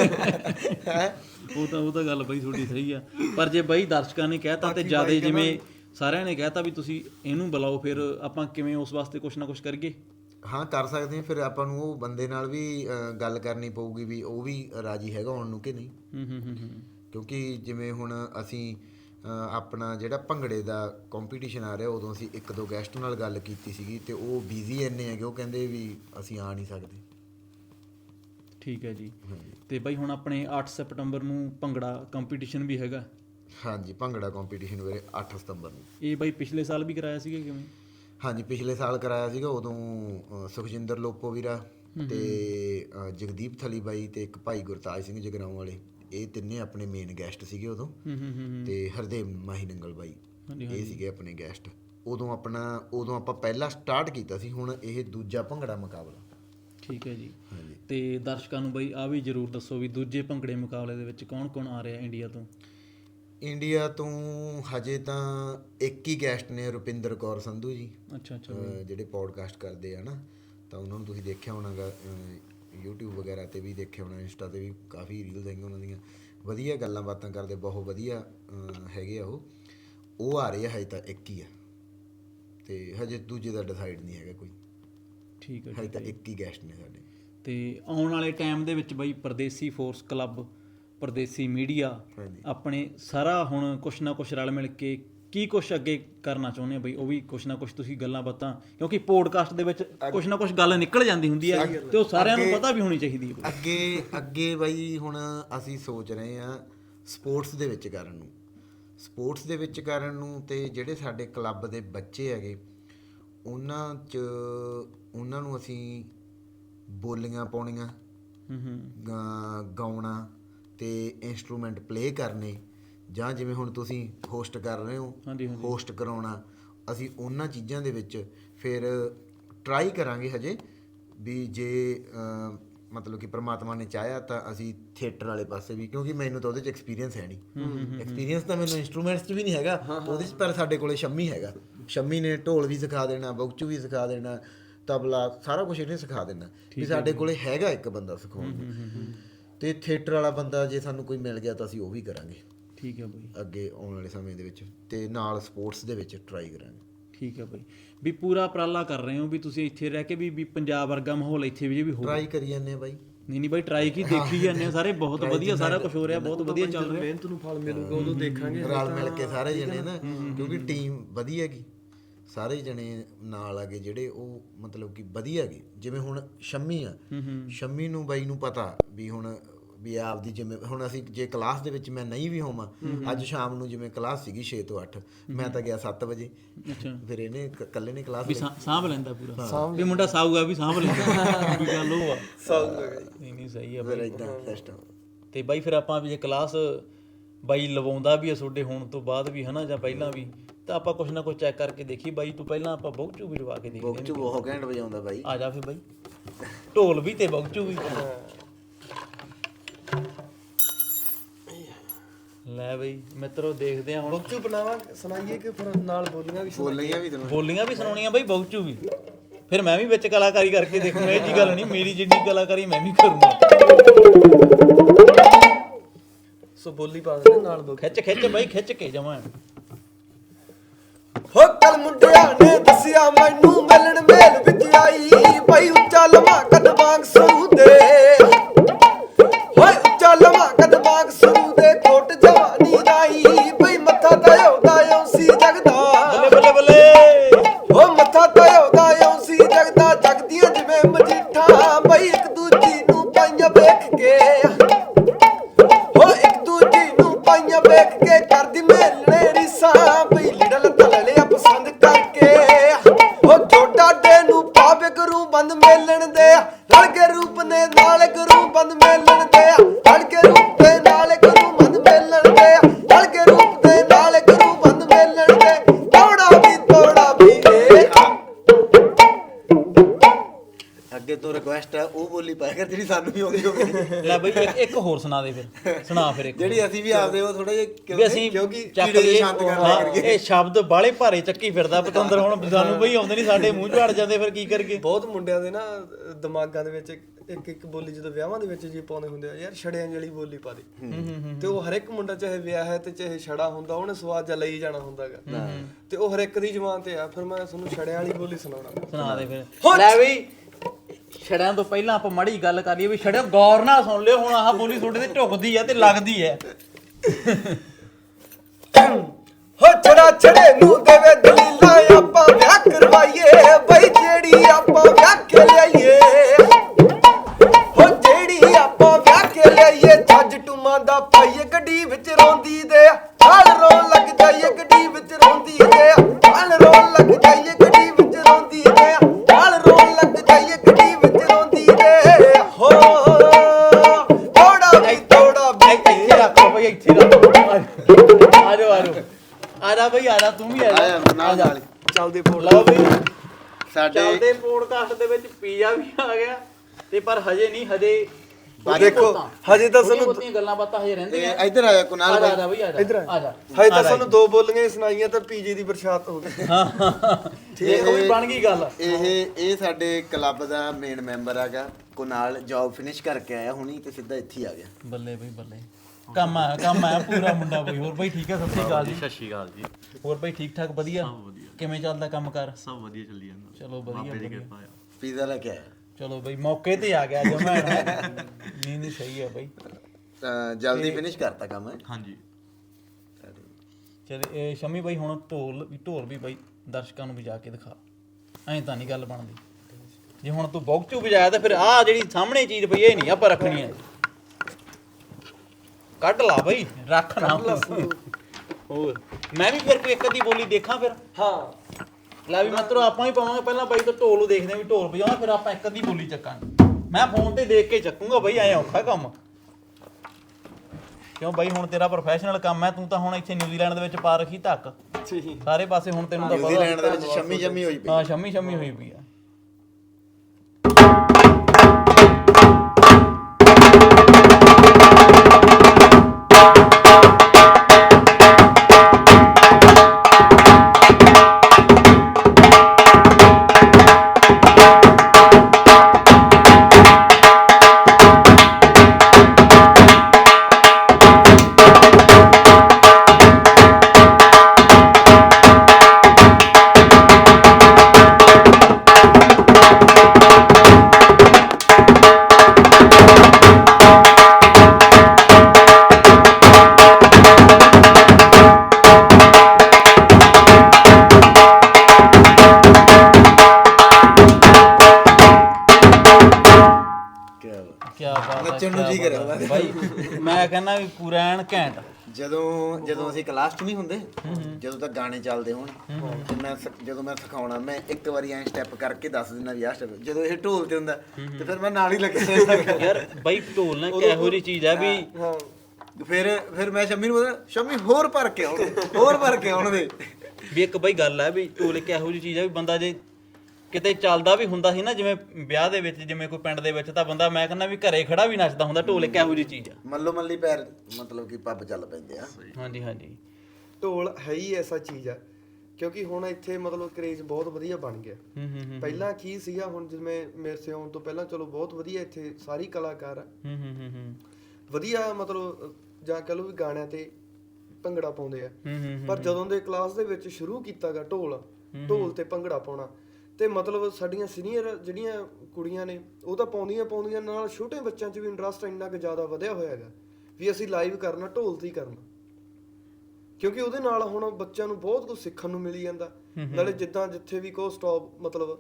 S1: ਉਹ ਤਾਂ ਉਹ ਤਾਂ ਗੱਲ ਬਈ ਤੁਹਾਡੀ ਸਹੀ ਆ, ਪਰ ਜੇ ਬਈ ਦਰਸ਼ਕਾਂ ਨੇ ਕਹਿਤਾ ਤੇ ਜਿਆਦਾ ਜਿਵੇਂ ਸਾਰਿਆਂ ਨੇ ਕਹਿਤਾ ਵੀ ਤੁਸੀਂ ਇਹਨੂੰ ਬੁਲਾਓ ਫਿਰ ਆਪਾਂ ਕਿਵੇਂ ਉਸ ਵਾਸਤੇ ਕੁਛ ਨਾ ਕੁਛ ਕਰੀਏ।
S2: ਹਾਂ ਕਰ ਸਕਦੇ ਹਾਂ, ਫਿਰ ਆਪਾਂ ਨੂੰ ਉਹ ਬੰਦੇ ਨਾਲ ਵੀ ਅ, ਗੱਲ ਕਰਨੀ ਪਊਗੀ ਵੀ ਉਹ ਵੀ ਰਾਜੀ ਹੈਗਾ ਆਉਣ ਨੂੰ ਕਿ ਨਹੀਂ।
S1: ਹੂੰ ਹੂੰ ਹੂੰ ਹੂੰ
S2: ਕਿਉਂਕਿ ਜਿਵੇਂ ਹੁਣ ਅਸੀਂ ਅ, ਆਪਣਾ ਜਿਹੜਾ ਭੰਗੜੇ ਦਾ ਕੰਪੀਟੀਸ਼ਨ ਆ ਰਿਹਾ ਉਦੋਂ ਅਸੀਂ ਇੱਕ ਦੋ ਗੈਸਟ ਨਾਲ ਗੱਲ ਕੀਤੀ ਸੀਗੀ ਤੇ ਉਹ ਬਿਜ਼ੀ ਇੰਨੇ ਹੈਗੇ ਉਹ ਕਹਿੰਦੇ ਵੀ ਅਸੀਂ ਆ ਨਹੀਂ ਸਕਦੇ।
S1: ਠੀਕ ਹੈ ਜੀ। ਤੇ ਬਈ ਹੁਣ ਆਪਣੇ ਅੱਠ ਸਤੰਬਰ ਨੂੰ ਭੰਗੜਾ ਕੰਪੀਟੀਸ਼ਨ ਵੀ ਹੈਗਾ।
S2: ਹਾਂਜੀ ਭੰਗੜਾ ਕੰਪੀਟੀਸ਼ਨ ਵੀਰੇ ਅੱਠ ਸਤੰਬਰ ਨੂੰ।
S1: ਇਹ ਬਈ ਪਿਛਲੇ ਸਾਲ ਵੀ ਕਰਾਇਆ ਸੀਗਾ ਕਿਵੇਂ?
S2: ਹਾਂਜੀ ਪਿਛਲੇ ਸਾਲ ਕਰਾਇਆ ਸੀਗਾ, ਉਦੋਂ ਅ, ਸੁਖਜਿੰਦਰ ਲੋਪੋ ਵੀਰਾ ਤੇ ਅ, ਜਗਦੀਪ ਥਲੀ ਬਾਈ ਤੇ ਇੱਕ ਭਾਈ ਗੁਰਤਾਜ ਸਿੰਘ ਜਗਰਾਉਂ ਵਾਲੇ, ਇਹ ਤਿੰਨੇ ਆਪਣੇ ਮੇਨ ਗੈਸਟ ਸੀਗੇ ਉਦੋਂ। ਤੇ ਹਰਦੇਵ ਮਾਹੀ ਨੰਗਲ ਬਾਈ ਇਹ ਸੀਗੇ ਆਪਣੇ ਗੈਸਟ। ਉਦੋਂ ਆਪਣਾ ਉਦੋਂ ਆਪਾਂ ਪਹਿਲਾਂ ਸਟਾਰਟ ਕੀਤਾ ਸੀ, ਹੁਣ ਇਹ ਦੂਜਾ ਭੰਗੜਾ ਮੁਕਾਬਲਾ।
S1: ਠੀਕ ਹੈ ਜੀ। ਤੇ ਦਰਸ਼ਕਾਂ ਨੂੰ ਬਈ ਆ ਵੀ ਜ਼ਰੂਰ ਦੱਸੋ ਵੀ ਦੂਜੇ ਭੰਗੜੇ ਮੁਕਾਬਲੇ ਦੇ ਵਿੱਚ ਕੌਣ ਕੌਣ ਆ ਰਿਹਾ ਇੰਡੀਆ ਤੋਂ?
S2: ਇੰਡੀਆ ਤੋਂ ਹਜੇ ਤਾਂ ਇੱਕ ਹੀ ਗੈਸਟ ਨੇ, ਰੁਪਿੰਦਰ ਕੌਰ ਸੰਧੂ ਜੀ।
S1: ਅੱਛਾ ਅੱਛਾ।
S2: ਅ, ਜਿਹੜੇ ਪੋਡਕਾਸਟ ਕਰਦੇ ਆ ਨਾ, ਤਾਂ ਉਹਨਾਂ ਨੂੰ ਤੁਸੀਂ ਦੇਖਿਆ ਹੋਣਾਗਾ ਯੂਟਿਊਬ ਵਗੈਰਾ ਤੇ ਵੀ ਦੇਖਿਆ ਹੋਣਾ, ਇੰਸਟਾ ਤੇ ਵੀ ਕਾਫੀ ਰੀਲਸ ਹੈਗੀਆਂ ਉਹਨਾਂ ਦੀਆਂ, ਵਧੀਆ ਗੱਲਾਂ ਬਾਤਾਂ ਕਰਦੇ, ਬਹੁਤ ਵਧੀਆ ਹੈਗੇ ਆ ਉਹ ਉਹ ਆ ਰਹੇ ਆ। ਹਜੇ ਤਾਂ ਇੱਕ ਹੀ ਆ ਤੇ ਹਜੇ ਦੂਜੇ ਦਾ ਡਿਸਾਈਡ ਨਹੀਂ ਹੈਗਾ ਕੋਈ।
S1: ਠੀਕ ਹੈ।
S2: ਹਜੇ ਤਾਂ ਇੱਕ ਹੀ ਗੈਸਟ ਨੇ ਸਾਡੇ।
S1: ਤੇ ਆਉਣ ਵਾਲੇ ਟਾਈਮ ਦੇ ਵਿੱਚ ਬਈ Pardesi force club, Pardesi media ਆਪਣੇ ਸਾਰਾ ਹੁਣ ਕੁਛ ਨਾ ਕੁਛ ਰਲ ਮਿਲ ਕੇ ਕੀ ਕੁਛ ਅੱਗੇ ਕਰਨਾ ਚਾਹੁੰਦੇ ਆ ਬਈ? ਉਹ ਵੀ ਕੁਛ ਨਾ ਕੁਛ ਤੁਸੀਂ ਗੱਲਾਂ ਬਾਤਾਂ, ਕਿਉਂਕਿ ਪੋਡਕਾਸਟ ਦੇ ਵਿੱਚ ਕੁਛ ਨਾ ਕੁਛ ਗੱਲ ਨਿਕਲ ਜਾਂਦੀ ਹੁੰਦੀ ਹੈ ਤੇ ਉਹ ਸਾਰਿਆਂ ਨੂੰ ਪਤਾ ਵੀ ਹੋਣੀ ਚਾਹੀਦੀ ਹੈ।
S2: ਅੱਗੇ ਅੱਗੇ ਬਾਈ ਹੁਣ ਅਸੀਂ ਸੋਚ ਰਹੇ ਹਾਂ ਸਪੋਰਟਸ ਦੇ ਵਿੱਚ ਕਰਨ ਨੂੰ, ਸਪੋਰਟਸ ਦੇ ਵਿੱਚ ਕਰਨ ਨੂੰ ਤੇ ਜਿਹੜੇ ਸਾਡੇ ਕਲੱਬ ਦੇ ਬੱਚੇ ਹੈਗੇ ਉਹਨਾਂ 'ਚ ਉਹਨਾਂ ਨੂੰ ਅਸੀਂ ਬੋਲੀਆਂ ਪਾਉਣੀਆਂ, ਗਾ- ਗਾਉਣਾ ਤੇ ਇੰਸਟਰੂਮੈਂਟ ਪਲੇ ਕਰਨੇ, ਜਾਂ ਜਿਵੇਂ ਹੁਣ ਤੁਸੀਂ ਹੋਸਟ ਕਰ ਰਹੇ ਹੋ ਹੋਸਟ ਕਰਾਉਣਾ, ਅਸੀਂ ਉਹਨਾਂ ਚੀਜ਼ਾਂ ਦੇ ਵਿੱਚ ਫਿਰ ਟਰਾਈ ਕਰਾਂਗੇ ਹਜੇ ਵੀ ਜੇ ਅ, ਮਤਲਬ ਕਿ ਪ੍ਰਮਾਤਮਾ ਨੇ ਚਾਹਿਆ ਤਾਂ ਅਸੀਂ ਥੀਏਟਰ ਵਾਲੇ ਪਾਸੇ ਵੀ, ਕਿਉਂਕਿ ਮੈਨੂੰ ਤਾਂ ਉਹਦੇ 'ਚ ਐਕਸਪੀਰੀਅੰਸ ਹੈ ਨਹੀਂ। ਐਕਸਪੀਰੀਅੰਸ ਤਾਂ ਮੈਨੂੰ ਇੰਸਟਰੂਮੈਂਟਸ 'ਚ ਵੀ ਨਹੀਂ ਹੈਗਾ ਉਹਦੇ 'ਚ, ਪਰ ਸਾਡੇ ਕੋਲੇ ਸ਼ੰਮੀ ਹੈਗਾ। ਸ਼ੰਮੀ ਨੇ ਢੋਲ ਵੀ ਸਿਖਾ ਦੇਣਾ, ਬਗਚੂ ਵੀ ਸਿਖਾ ਦੇਣਾ, ਤਬਲਾ ਸਾਰਾ ਕੁਝ ਇਹਨੇ ਸਿਖਾ ਦੇਣਾ ਵੀ ਸਾਡੇ ਕੋਲੇ ਹੈਗਾ ਇੱਕ ਬੰਦਾ ਸਿਖਾਉਣ ਨੂੰ। ਤੇ ਥੀਏਟਰ ਵਾਲਾ ਬੰਦਾ ਜੇ ਸਾਨੂੰ ਕੋਈ ਮਿਲ ਗਿਆ ਤਾਂ ਅਸੀਂ ਉਹ ਵੀ ਕਰਾਂਗੇ।
S1: ਠੀਕ ਹੈ ਬਈ।
S2: ਅੱਗੇ ਆਉਣ ਵਾਲੇ ਸਮੇਂ ਦੇ ਵਿੱਚ ਤੇ ਨਾਲ ਸਪੋਰਟਸ ਦੇ ਵਿੱਚ ਟਰਾਈ ਕਰਾਂਗੇ।
S1: ਠੀਕ ਹੈ ਬਈ। ਵੀ ਪੂਰਾ ਉਪਰਾਲਾ ਕਰ ਰਹੇ ਹੋ ਵੀ ਤੁਸੀਂ ਇੱਥੇ ਰਹਿ ਕੇ ਵੀ ਵੀ ਪੰਜਾਬ ਵਰਗਾ ਮਾਹੌਲ ਇੱਥੇ ਵੀ ਵੀ ਹੋ
S2: ਟਰਾਈ ਕਰੀ ਜਾਂਦੇ ਆ ਬਾਈ।
S1: ਨਹੀਂ ਨਹੀਂ ਬਾਈ ਟਰਾਈ ਕੀ ਦੇਖੀ ਜਾਂਦੇ ਆ ਸਾਰੇ, ਬਹੁਤ ਵਧੀਆ ਸਾਰਾ ਕੁਝ ਹੋ ਰਿਹਾ, ਬਹੁਤ ਵਧੀਆ ਚੱਲ ਰਿਹਾ।
S3: ਮਿਹਨਤ ਨੂੰ ਫਲ ਮਿਲੂਗਾ ਉਦੋਂ ਦੇਖਾਂਗੇ।
S2: ਰਲ ਮਿਲ ਕੇ ਸਾਰੇ ਜਣੇ ਨਾ, ਕਿਉਂਕਿ ਟੀਮ ਵਧੀਆ ਹੈਗੀ, ਸਾਰੇ ਜਣੇ ਨਾਲ ਆ ਗਏ ਜਿਹੜੇ ਉਹ ਮਤਲਬ ਕਿ ਵਧੀਆ ਹੈਗੇ। ਜਿਵੇਂ ਹੁਣ ਸ਼ੰਮੀ ਆ, ਸ਼ੰਮੀ ਨੂੰ ਬਾਈ ਨੂੰ ਪਤਾ ਵੀ ਹੁਣ ਵੀ ਆਪਦੀ ਜਿਵੇਂ ਹੁਣ ਅਸੀਂ ਜੇ ਕਲਾਸ ਦੇ ਵਿੱਚ ਮੈਂ ਨਹੀਂ ਵੀ ਹੋਵਾਂ, ਅੱਜ ਸ਼ਾਮ ਨੂੰ ਜਿਵੇਂ ਕਲਾਸ ਸੀਗੀ ਛੇ ਤੋਂ ਅੱਠ, ਮੈਂ ਤਾਂ ਗਿਆ ਸੱਤ ਵਜੇ, ਫਿਰ ਇਹਨੇ ਇਕੱਲੇ ਨੇ ਕਲਾਸ
S1: ਸਾਂਭ ਲੈਂਦਾ ਪੂਰਾ ਵੀ ਮੁੰਡਾ ਸਾਊਗਾ ਵੀ ਸਾਂਭ ਲੈਂਦਾ ਵੀ ਗੱਲ ਉਹ ਆ ਸਾਊਗਾ। ਨਹੀਂ ਨਹੀਂ ਸਹੀ ਆ
S2: ਫਿਰ ਇਦਾਂ ਸਿਸਟਮ।
S1: ਤੇ ਬਾਈ ਫਿਰ ਆਪਾਂ ਵੀ ਜੇ ਕਲਾਸ ਬਾਈ ਲਵਾਉਂਦਾ ਵੀ ਆ ਤੁਹਾਡੇ ਹੋਣ ਤੋਂ ਬਾਅਦ ਵੀ ਹਨਾ ਜਾਂ ਪਹਿਲਾਂ ਵੀ, ਤਾਂ ਆਪਾਂ ਕੁਛ ਨਾ ਕੁਛ ਚੈੱਕ ਕਰਕੇ ਦੇਖੀ ਬਾਈ ਤੋਂ ਪਹਿਲਾਂ ਆਪਾਂ ਬਗਚੂ ਵੀ ਲਵਾ ਕੇ ਦੇਖਦੇ।
S2: ਬਗਚੂ ਬਹੁਤ ਘੈਂਟ ਵਜਾਉਂਦਾ ਬਾਈ।
S1: ਆ ਜਾ ਫਿਰ ਬਾਈ, ਢੋਲ ਵੀ ਤੇ ਬਗਚੂ ਵੀ। ਲੈ ਬਈ ਮਿੱਤਰੋ ਦੇਖਦੇ ਆ ਹੁਣ
S3: ਬਗਚੂ ਬਣਾਵਾ ਸੁਣਾਈਏ ਕਿ ਫਿਰ ਨਾਲ ਬੋਲੀਆਂ ਵੀ
S2: ਬੋਲੀਆਂ ਵੀ
S1: ਬੋਲੀਆਂ ਵੀ ਸੁਣਾਉਣੀਆਂ ਬਾਈ, ਬਗਚੂ ਵੀ। ਫਿਰ ਮੈਂ ਵੀ ਵਿੱਚ ਕਲਾਕਾਰੀ ਕਰਕੇ ਦੇਖੂੰਗਾ, ਇਹ ਜੀ ਗੱਲ ਨਹੀਂ, ਮੇਰੀ ਜਿੰਨੀ ਕਲਾਕਾਰੀ ਮੈਂ ਵੀ ਕਰੂੰਗਾ।
S3: ਸੋ ਬੋਲੀ ਪਾ ਦੇ ਨਾਲ ਬੋਲ।
S1: ਖਿੱਚ ਖਿੱਚ ਬਾਈ ਖਿੱਚ ਕੇ ਜਮਾਂ।
S3: ਹੋ ਕੱਲ ਮੁੰਡਿਆਂ ਨੇ ਦੱਸਿਆ ਮੈਨੂੰ ਮਿਲਣ ਮੇਲ ਵਿੱਚ ਆਈ, ਬਈ ਉੱਚਾ ਲਮਾ ਕਦ ਵਾਂਗ ਸਰੂ ਦੇ, ਹੋਏ ਉੱਚਾ ਲਮਾ ਕਦ ਵਾਂਗ ਸਰੂ ਦੇ, ਕੋਟ ਜਵਾਨੀ ਰਾਈ, ਬਈ ਮੱਥਾ ਤਾਇਓਦਾ ਓ ਸੀ ਜਗਦਾ,
S1: ਬੱਲੇ ਬੱਲੇ ਬੱਲੇ।
S3: ਹੋ ਮੱਥਾ ਤਾਇਓਦਾ ਓ ਸੀ ਜਗਦਾ, ਜਗਦੀਆਂ ਜਿਵੇਂ ਮਜੀਠਾਂ, ਬਈ ਇੱਕ ਦੂਜੇ
S2: ਲਿਆ ਕਰ ਜਿਹੜੀ ਸਾਨੂੰ ਵੀ ਆਉਂਦੀ ਹੋਵੇ।
S1: ਲੈ ਬਈ ਇੱਕ ਇੱਕ ਹੋਰ ਸੁਣਾ ਦੇ ਫਿਰ, ਸੁਣਾ ਫਿਰ ਇੱਕ
S2: ਜਿਹੜੀ ਅਸੀਂ ਵੀ ਆਪਦੇ ਉਹ ਥੋੜਾ ਜਿਹਾ
S1: ਵੀ ਅਸੀਂ
S2: ਕਿਉਂਕਿ
S1: ਚੱਕ
S2: ਕੀੜੇ
S1: ਲਈਏ।
S2: ਸ਼ਾਂਤ ਕਰ
S1: ਹਾਂ,
S2: ਲਿਆ
S1: ਇਹ ਸ਼ਬਦ ਬਾਲੇ ਭਾਰੇ ਚੱਕੀ ਫਿਰਦਾ ਪਤੰਦਰ, ਹੁਣ ਸਾਨੂੰ ਬਈ ਆਉਂਦੇ ਨਹੀਂ, ਸਾਡੇ ਮੂੰਹ ਝੜ ਜਾਂਦੇ, ਫਿਰ ਕੀ ਕਰੀਏ।
S3: ਬਹੁਤ ਮੁੰਡਿਆਂ ਦੇ ਨਾ ਦਿਮਾਗਾਂ ਦੇ ਵਿੱਚ ਇੱਕ ਇੱਕ ਬੋਲੀ ਜਦੋਂ ਵਿਆਹਾਂ ਦੇ ਵਿੱਚ ਜੀ ਪਾਉਂਦੇ ਹੁੰਦੇ ਆ, ਯਾਰ ਛੜਿਆਂ ਵਾਲੀ ਬੋਲੀ ਪਾ ਦੇ, ਤੇ ਉਹ ਹਰ ਇੱਕ ਮੁੰਡਾ ਚਾਹੇ ਵਿਆਹ ਹੈ ਤੇ ਚਾਹੇ ਛੜਾ ਹੁੰਦਾ, ਉਹਨੇ ਸਵਾਦ ਜਾਂ ਲਈ ਜਾਣਾ ਹੁੰਦਾਗਾ, ਤੇ ਉਹ ਹਰ ਇੱਕ ਦੀ ਜ਼ੁਬਾਨ ਤੇ ਆ। ਫਿਰ ਮੈਂ ਤੁਹਾਨੂੰ ਛੜਿਆਂ ਵਾਲੀ ਬੋਲੀ ਸੁਣਾਉਣਾ।
S1: ਸੁਣਾ ਦੇ ਫਿਰ। ਲੈ ਬਈ ਛੜਿਆਂ ਤੋਂ ਪਹਿਲਾਂ ਆਪਾਂ ਮਾੜੀ ਗੱਲ ਕਰ ਲਈਏ ਵੀ ਛੜਿਓ ਗੌਰ ਨਾਲ ਸੁਣ ਲਿਓ, ਹੁਣ ਆਹ ਬੋਲੀ ਤੁਹਾਡੇ ਤੇ ਢੁਕਦੀ ਆ ਤੇ ਲੱਗਦੀ ਹੈ।
S3: ਹੋ ਛੜਾ ਛੜੇ ਨੂੰ ਦੇਵੇ ਦਲੀਲਾਂ, ਆਪਾਂ ਵਿਆਹ ਕਰਵਾਈਏ ਬਈ ਜਿਹੜੀ ਆਪਾਂ ਵਿਆਹ ਕੇ ਲਿਆਈਏ। ਹੋ ਜਿਹੜੀ ਆਪਾਂ ਵਿਆਹ ਕੇ ਲਿਆਈਏ, ਛੱਜ ਟੁਮਾਂ ਦਾ ਪਾਈਏ ਗੱਡੀ ਵਿੱਚ ਰੋਂਦੀ ਦੇ, ਹਾਲ ਰੋਣ ਲੱਗ ਜਾਈਏ ਗੱਡੀ ਵਿੱਚ ਰੋਂਦੀ ਦੇ, ਹਾਲ ਰੋਣ ਲੱਗ ਜਾਈਏ ਗੱਡੀ ਵਿੱਚ ਰੋਂਦੀ ਦੇ, ਹਾਲ ਰੋਣ ਲੱਗ ਜਾਈਏ ਗੱਡੀ ਵਿੱਚ ਰੋਂਦੀ ਦੇ। ਹੋ ਥੋੜਾ ਵੀ ਥੋੜਾ ਵੀ
S1: ਇੱਥੇ ਰੱਖੋ ਬਈ, ਇੱਥੇ ਰੱਖੋ। ਆ ਜਾਓ ਆ ਜਾਓ ਆ ਜਾ ਬਈ, ਆ ਜਾ ਤੂੰ ਵੀ ਆ ਜਾ ਆ ਜਾ।
S3: ਚੱਲਦੇ ਪੋੜ
S1: ਲਓ ਬਈ
S2: ਸਾਡੇ
S1: ਚੱਲਦੇ ਪੋਡਕਾਸਟ ਦੇ ਵਿੱਚ ਪੀਜ਼ਾ ਵੀ ਆ ਗਿਆ, ਤੇ ਪਰ ਹਜੇ ਨਹੀਂ, ਹਜੇ
S3: ਦੇਖੋ ਹਜੇ ਤਾਂ ਸਾਨੂੰ
S1: ਬਹੁਤੀਆਂ ਗੱਲਾਂ ਬਾਤਾਂ ਹਜੇ ਰਹਿੰਦੀਆਂ।
S2: ਇਹ ਇੱਧਰ ਆਇਆ ਕੁਨਾਲ
S1: ਆ
S2: ਬਾਈ।
S1: ਜਾ ਬਈ, ਆ ਜਾ
S3: ਇੱਧਰ
S1: ਆ ਜਾ।
S3: ਹਜੇ ਤਾਂ ਸਾਨੂੰ ਦੋ ਬੋਲੀਆਂ ਹੀ ਸੁਣਾਈਆਂ ਤਾਂ ਪੀਜੇ ਦੀ ਬਰਸਾਤ ਹੋ ਗਈ।
S1: ਠੀਕ ਹੈ, ਬਣ ਗਈ ਗੱਲ।
S2: ਇਹ ਇਹ ਸਾਡੇ ਕਲੱਬ ਦਾ ਮੇਨ ਮੈਂਬਰ ਹੈਗਾ ਕੁਨਾਲ, ਜੌਬ ਫਿਨਿਸ਼ ਕਰਕੇ ਆਇਆ ਹੁਣੀ ਤੇ ਸਿੱਧਾ ਇੱਥੇ ਆ ਗਿਆ।
S1: ਬੱਲੇ ਬਈ ਬੱਲੇ, ਕੰਮ ਆਇਆ ਕੰਮ ਆਇਆ ਪੂਰਾ ਮੁੰਡਾ ਬਈ। ਹੋਰ ਬਈ ਠੀਕ ਹੈ? ਸਤਿ ਸ਼੍ਰੀ ਅਕਾਲ ਜੀ।
S4: ਸਤਿ ਸ਼੍ਰੀ ਅਕਾਲ ਜੀ।
S1: ਹੋਰ ਬਈ ਠੀਕ ਠਾਕ? ਵਧੀਆ
S4: ਸਭ ਵਧੀਆ।
S1: ਕਿਵੇਂ ਚੱਲਦਾ ਕੰਮ ਕਰ?
S4: ਸਭ ਵਧੀਆ ਚੱਲੀ ਜਾਂਦਾ।
S1: ਚਲੋ ਵਧੀਆ
S4: ਮਾਪੇ ਦੀ
S1: ਵਧੀਆ।
S4: ਕਿਰਪਾ ਆ।
S2: ਪੀਜ਼ਾ ਲੈ ਕੇ ਆਇਆ।
S1: ਚਲੋ ਬਈ ਮੌਕੇ ਤੇ ਆ ਗਿਆ ਜਮੈਣ। ਨਹੀਂ ਨਹੀਂ ਸਹੀ ਹੈ ਬਈ।
S2: ਤਾਂ ਜਲਦੀ ਫਿਨਿਸ਼ ਕਰਤਾ ਕੰਮ।
S4: ਹਾਂਜੀ।
S1: ਚਲ ਇਹ ਸ਼ਮੀ ਬਈ ਹੁਣ ਢੋਲ ਵੀ ਢੋਲ ਵੀ ਬਈ ਦਰਸ਼ਕਾਂ ਨੂੰ ਵਜਾ ਕੇ ਦਿਖਾ, ਐਂ ਤਾਂ ਨਹੀਂ ਗੱਲ ਬਣਦੀ। ਜੇ ਹੁਣ ਤੂੰ ਬੌਕਚੂ ਵਜਾਇਆ ਤਾਂ ਫਿਰ ਆਹ ਜਿਹੜੀ ਸਾਹਮਣੇ ਚੀਜ਼ ਪਈ ਇਹ ਨਹੀਂ ਆਪਾਂ ਰੱਖਣੀ ਹੈ। ਕੱਢ ਲਾ ਬਈ, ਰੱਖ ਨਾ। ਹੋਰ ਮੈਂ ਵੀ ਫਿਰ ਕੋਈ ਇੱਕ ਅੱਧੀ ਬੋਲੀ ਦੇਖਾਂ ਫਿਰ।
S3: ਹਾਂ
S1: ਲੈ ਵੀ ਮਿੱਤਰੋ ਆਪਾਂ ਵੀ ਪਾਵਾਂਗੇ ਪਹਿਲਾਂ ਬਾਈ ਤੋਂ ਢੋਲ ਨੂੰ ਦੇਖਦੇ ਆਂ ਵੀ ਢੋਲ ਵਜਾਉਣਾ, ਫਿਰ ਆਪਾਂ ਇੱਕ ਅੱਧੀ ਬੋਲੀ ਚੱਕਾਂਗੇ। ਮੈਂ ਫੋਨ ਤੇ ਦੇਖ ਕੇ ਚੱਕੂੰਗਾ ਬਈ, ਐਂ ਔਖਾ ਕੰਮ ਕਿਉਂ ਬਾਈ? ਹੁਣ ਤੇਰਾ ਪ੍ਰੋਫੈਸ਼ਨਲ ਕੰਮ ਹੈ, ਤੂੰ ਤਾਂ ਹੁਣ ਇੱਥੇ ਨਿਊਜ਼ੀਲੈਂਡ ਦੇ ਵਿੱਚ ਪਾ ਰੱਖੀ ਧੱਕ ਸਾਰੇ ਪਾਸੇ, ਹੁਣ ਤੈਨੂੰ ਤਾਂ ਪਤਾ।
S2: ਨਿਊਜ਼ੀਲੈਂਡ ਦੇ ਵਿੱਚ ਸ਼ੰਮੀ ਜੰਮੀ ਹੋਈ ਪਈ।
S1: ਹਾਂ ਸ਼ੰਮੀ ਸ਼ੰਮੀ ਹੋਈ ਪਈ ਆ। ਕਿਆ ਬਾਤ ਹੈ,
S2: ਨੱਚਣ ਨੂੰ
S1: ਕਿਆ
S2: ਜੀ
S1: ਬਾਤ
S2: ਕਰਿਆ
S1: ਹੈ। ਬਾਈ ਮੈਂ ਕਹਿੰਦਾ ਵੀ ਪੂਰਾ ਐਨ ਘੈਂਟ।
S2: ਜਦੋਂ ਜਦੋਂ ਅਸੀਂ ਕਲਾਸ 'ਚ ਨਹੀਂ ਹੁੰਦੇ, ਜਦੋਂ ਤੱਕ ਗਾਣੇ ਚੱਲਦੇ ਹੋਣ, ਤੇ ਮੈਂ ਸ- ਜਦੋਂ ਮੈਂ ਸਿਖਾਉਣਾ, ਮੈਂ ਇੱਕ ਵਾਰੀ ਐਂ ਸਟੈਪ ਕਰਕੇ ਦੱਸ ਦਿੰਦਾ ਵੀ ਆਹ ਸਟੈਪ। ਜਦੋਂ ਇਹ ਢੋਲ ਤੇ ਹੁੰਦਾ ਤੇ ਫਿਰ ਮੈਂ ਨਾਲ ਹੀ ਲੱਗਿਆ ਰਹਿੰਦਾ।
S1: ਯਾਰ ਬਾਈ ਢੋਲ ਨਾ ਕਿਹੋ ਜਿਹੀ ਚੀਜ਼ ਆ ਵੀ
S3: ਹਾਂ
S2: ਫਿਰ ਫਿਰ ਮੈਂ ਸ਼ੰਮੀ ਨੂੰ ਬੋਲਦਾ, ਸ਼ੰਮੀ ਹੋਰ ਭਰ ਕੇ ਆਉਣ ਦੇ, ਹੋਰ ਭਰ ਕੇ ਆਉਣ ਦੇ।
S1: ਵੀ ਇੱਕ ਬਈ ਗੱਲ ਹੈ ਵੀ ਢੋਲ ਇੱਕ ਇਹੋ ਜਿਹੀ ਚੀਜ਼ ਆ ਵੀ ਬੰਦਾ ਜੇ ਕਿਤੇ ਚੱਲਦਾ ਵੀ ਹੁੰਦਾ ਸੀ ਨਾ, ਜਿਵੇਂ ਵਿਆਹ ਦੇ ਵਿੱਚ, ਜਿਵੇਂ ਕੋਈ ਪਿੰਡ ਦੇ ਵਿੱਚ, ਤਾਂ ਬੰਦਾ ਮੈਂ ਕਹਿੰਦਾ ਵੀ ਘਰੇ ਖੜਾ ਵੀ ਨੱਚਦਾ ਹੁੰਦਾ। ਢੋਲ ਇੱਕ ਇਹੋ ਜਿਹੀ ਚੀਜ਼ ਆ।
S2: ਮੱਲੋ ਮੱਲੀ ਪੈਰ ਮਤਲਬ ਕਿ ਪੱਬ ਚੱਲ ਪੈਂਦੇ ਆ।
S1: ਹਾਂਜੀ ਹਾਂਜੀ।
S3: ਢੋਲ ਹੈ ਹੀ ਐਸਾ ਚੀਜ਼ ਆ, ਕਿਉਂਕਿ ਹੁਣ ਇੱਥੇ ਮਤਲਬ ਕਰੇਜ਼ ਬਹੁਤ ਵਧੀਆ ਬਣ ਗਿਆ।
S1: ਹੂੰ ਹੂੰ ਹੂੰ
S3: ਪਹਿਲਾਂ ਕੀ ਸੀਗਾ, ਹੁਣ ਜਿਵੇਂ ਮੇਰੇ ਸੇ ਆਉਣ ਤੋਂ ਪਹਿਲਾਂ ਚਲੋ ਬਹੁਤ ਵਧੀਆ ਇੱਥੇ ਸਾਰੀ ਕਲਾਕਾਰ ਆ,
S1: ਹੂੰ ਹੂੰ ਹੂੰ ਹੂੰ
S3: ਵਧੀਆ ਮਤਲਬ ਜਾਂ ਕਹ ਲਓ ਵੀ ਗਾਣਿਆਂ ਤੇ ਭੰਗੜਾ ਪਾਉਂਦੇ ਆ।
S1: ਹੂੰ ਹੂੰ
S3: ਪਰ ਜਦੋਂ ਦੇ ਕਲਾਸ ਦੇ ਵਿੱਚ ਸ਼ੁਰੂ ਕੀਤਾਗਾ ਢੋਲ ਢੋਲ ਤੇ ਭੰਗੜਾ ਪਾਉਣਾ, ਤੇ ਮਤਲਬ ਸਾਡੀਆਂ ਸੀਨੀਅਰ ਜਿਹੜੀਆਂ ਕੁੜੀਆਂ ਨੇ ਉਹ ਤਾਂ ਪਾਉਂਦੀਆਂ ਪਾਉਂਦੀਆਂ ਨਾਲ ਛੋਟੇ ਬੱਚਿਆਂ 'ਚ ਵੀ ਇੰਟਰਸਟ ਇੰਨਾ ਕੁ ਜ਼ਿਆਦਾ ਵਧਿਆ ਹੋਇਆ ਹੈਗਾ ਵੀ ਅਸੀਂ ਲਾਈਵ ਕਰਨਾ ਢੋਲ ਤੇ ਹੀ ਕਰਨਾ, ਕਿਉਂਕਿ ਉਹਦੇ ਨਾਲ ਹੁਣ ਬੱਚਿਆਂ ਨੂੰ ਬਹੁਤ ਕੁਝ ਸਿੱਖਣ ਨੂੰ ਮਿਲੀ ਜਾਂਦਾ। ਨਾਲੇ ਜਿੱਦਾਂ ਜਿੱਥੇ ਵੀ ਕੋ ਸਟਾਪ ਮਤਲਬ,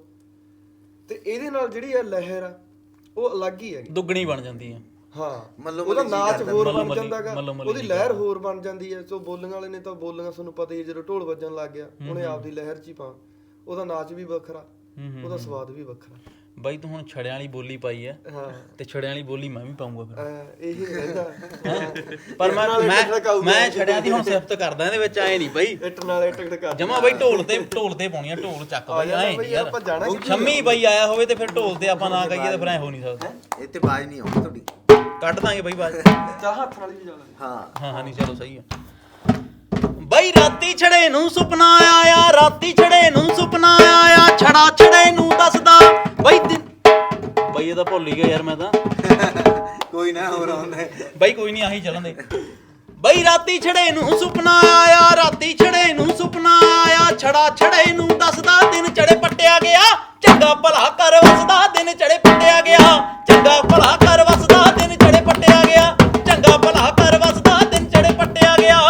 S3: ਤੇ ਇਹਦੇ ਨਾਲ ਜਿਹੜੀ ਆ ਲਹਿਰ ਆ ਉਹ ਅਲੱਗ ਹੀ ਹੈਗੀ,
S1: ਦੁੱਗਣੀ ਬਣ ਜਾਂਦੀ ਆ।
S3: ਹਾਂ
S2: ਮੱਲੋ
S3: ਉਹਦਾ
S2: ਮੱਲੀ ਜੀ
S3: ਨਾਚ
S2: ਕਰਦਾ,
S3: ਹੋਰ
S1: ਮੱਲੋ
S3: ਬਣ
S1: ਮੱਲੀ,
S3: ਜਾਂਦਾਗਾ,
S1: ਮੱਲੋ ਮੱਲੀ
S3: ਉਹਦੀ
S1: ਜੀ
S3: ਲਹਿਰ ਹੋਰ ਬਣ ਜਾਂਦੀ ਹੈ। ਸੋ ਬੋਲਣ ਵਾਲੇ ਨੇ ਤਾਂ ਬੋਲੀਆਂ ਤੁਹਾਨੂੰ ਪਤਾ ਹੀ ਹੈ, ਜਦੋਂ ਢੋਲ ਵੱਜਣ ਲੱਗ ਗਿਆ ਉਹਨੇ ਆਪਦੀ ਲਹਿਰ 'ਚ ਹੀ ਪਾ, ਉਹਦਾ ਨਾਚ ਵੀ ਵੱਖਰਾ, ਉਹਦਾ ਸਵਾਦ ਵੀ ਵੱਖਰਾ।
S1: ਬਾਈ ਤੂੰ ਹੁਣ ਛੜਿਆਂ ਵਾਲੀ ਬੋਲੀ ਪਾਈ ਐ
S3: ਹਾਂ
S1: ਤੇ ਛੜਿਆਂ ਵਾਲੀ ਬੋਲੀ ਮੈਂ ਵੀ ਪਾਉਂਗਾ ਫਿਰ।
S3: ਅਹ ਇਹੀ ਰਹਿੰਦਾ
S1: ਪਰ ਮੈਂ ਮੈਂ ਮੈਂ ਛੜਿਆਂ ਦੀ ਹੁਣ ਸਿਫਤ ਕਰਦਾ ਇਹਦੇ ਵਿੱਚ ਆਏ ਨਹੀਂ ਬਾਈ
S3: ਇੱਟ ਨਾਲ ਇੱਟ ਟਕਾ
S1: ਜਮਾ ਬਾਈ ਢੋਲ ਤੇ ਢੋਲ ਤੇ ਪਾਉਣੀ ਆ ਢੋਲ ਚੱਕ ਬਾਈ ਐ ਨਹੀਂ ਯਾਰ
S3: ਆਪਾਂ ਜਾਣਾ
S1: ਸ਼ੰਮੀ ਬਾਈ ਆਇਆ ਹੋਵੇ ਤੇ ਫਿਰ ਢੋਲ ਤੇ ਆਪਾਂ ਨਾ ਕਹੀਏ ਤਾਂ ਫਿਰ ਐ ਹੋ ਨਹੀਂ ਸਕਦਾ।
S2: ਇਹ ਤੇ ਬਾਜ ਨਹੀਂ ਆਉਂਦੀ ਤੁਹਾਡੀ।
S1: ਕੱਢ ਦਾਂਗੇ ਬਾਈ ਬਾਅਦ
S3: ਚਾਹ ਹੱਥ ਨਾਲ ਵੀ ਜਾਣਾ।
S2: ਹਾਂ
S1: ਹਾਂ ਹਾਂ ਨਹੀਂ ਚਲੋ ਸਹੀ ਆ ਬਾਈ ਰਾਤੀ ਛੜੇ ਨੂੰ ਸੁਪਨਾ ਆਇਆ ਰਾਤੀ ਛੜੇ ਨੂੰ ਸੁਪਨਾ ਆਇਆ ਛੜਾ ਛੜੇ ਨੂੰ ਦੱਸਦਾ ਬਾਈ ਬਾਈ ਇਹ ਤਾਂ ਭੁੱਲ ਹੀ ਗਿਆ ਯਾਰ ਮੈਂ ਤਾਂ
S2: ਕੋਈ ਨਾ ਹੋਰ ਆਉਂਦਾ
S1: ਬਾਈ ਕੋਈ ਨਹੀਂ ਆਹੀ ਚੱਲਣ ਦੇ ਬਾਈ ਰਾਤੀ ਛੜੇ ਨੂੰ ਸੁਪਨਾ ਆਇਆ ਰਾਤੀ ਛੜੇ ਨੂੰ ਸੁਪਨਾ ਆਇਆ ਛੜਾ ਛੜੇ ਨੂੰ ਦੱਸਦਾ ਦਿਨ ਚੜੇ ਪੱਟਿਆ ਗਿਆ ਚੰਗਾ ਭਲਾ ਕਰ ਵਸਦਾ ਦਿਨ ਚੜੇ ਪੱਟਿਆ ਗਿਆ ਚੰਗਾ ਭਲਾ ਕਰ ਵਸਦਾ ਦਿਨ ਚੜੇ ਪੱਟਿਆ ਗਿਆ ਚੰਗਾ ਭਲਾ ਕਰ ਵਸਦਾ ਦਿਨ ਚੜੇ ਪੱਟਿਆ ਗਿਆ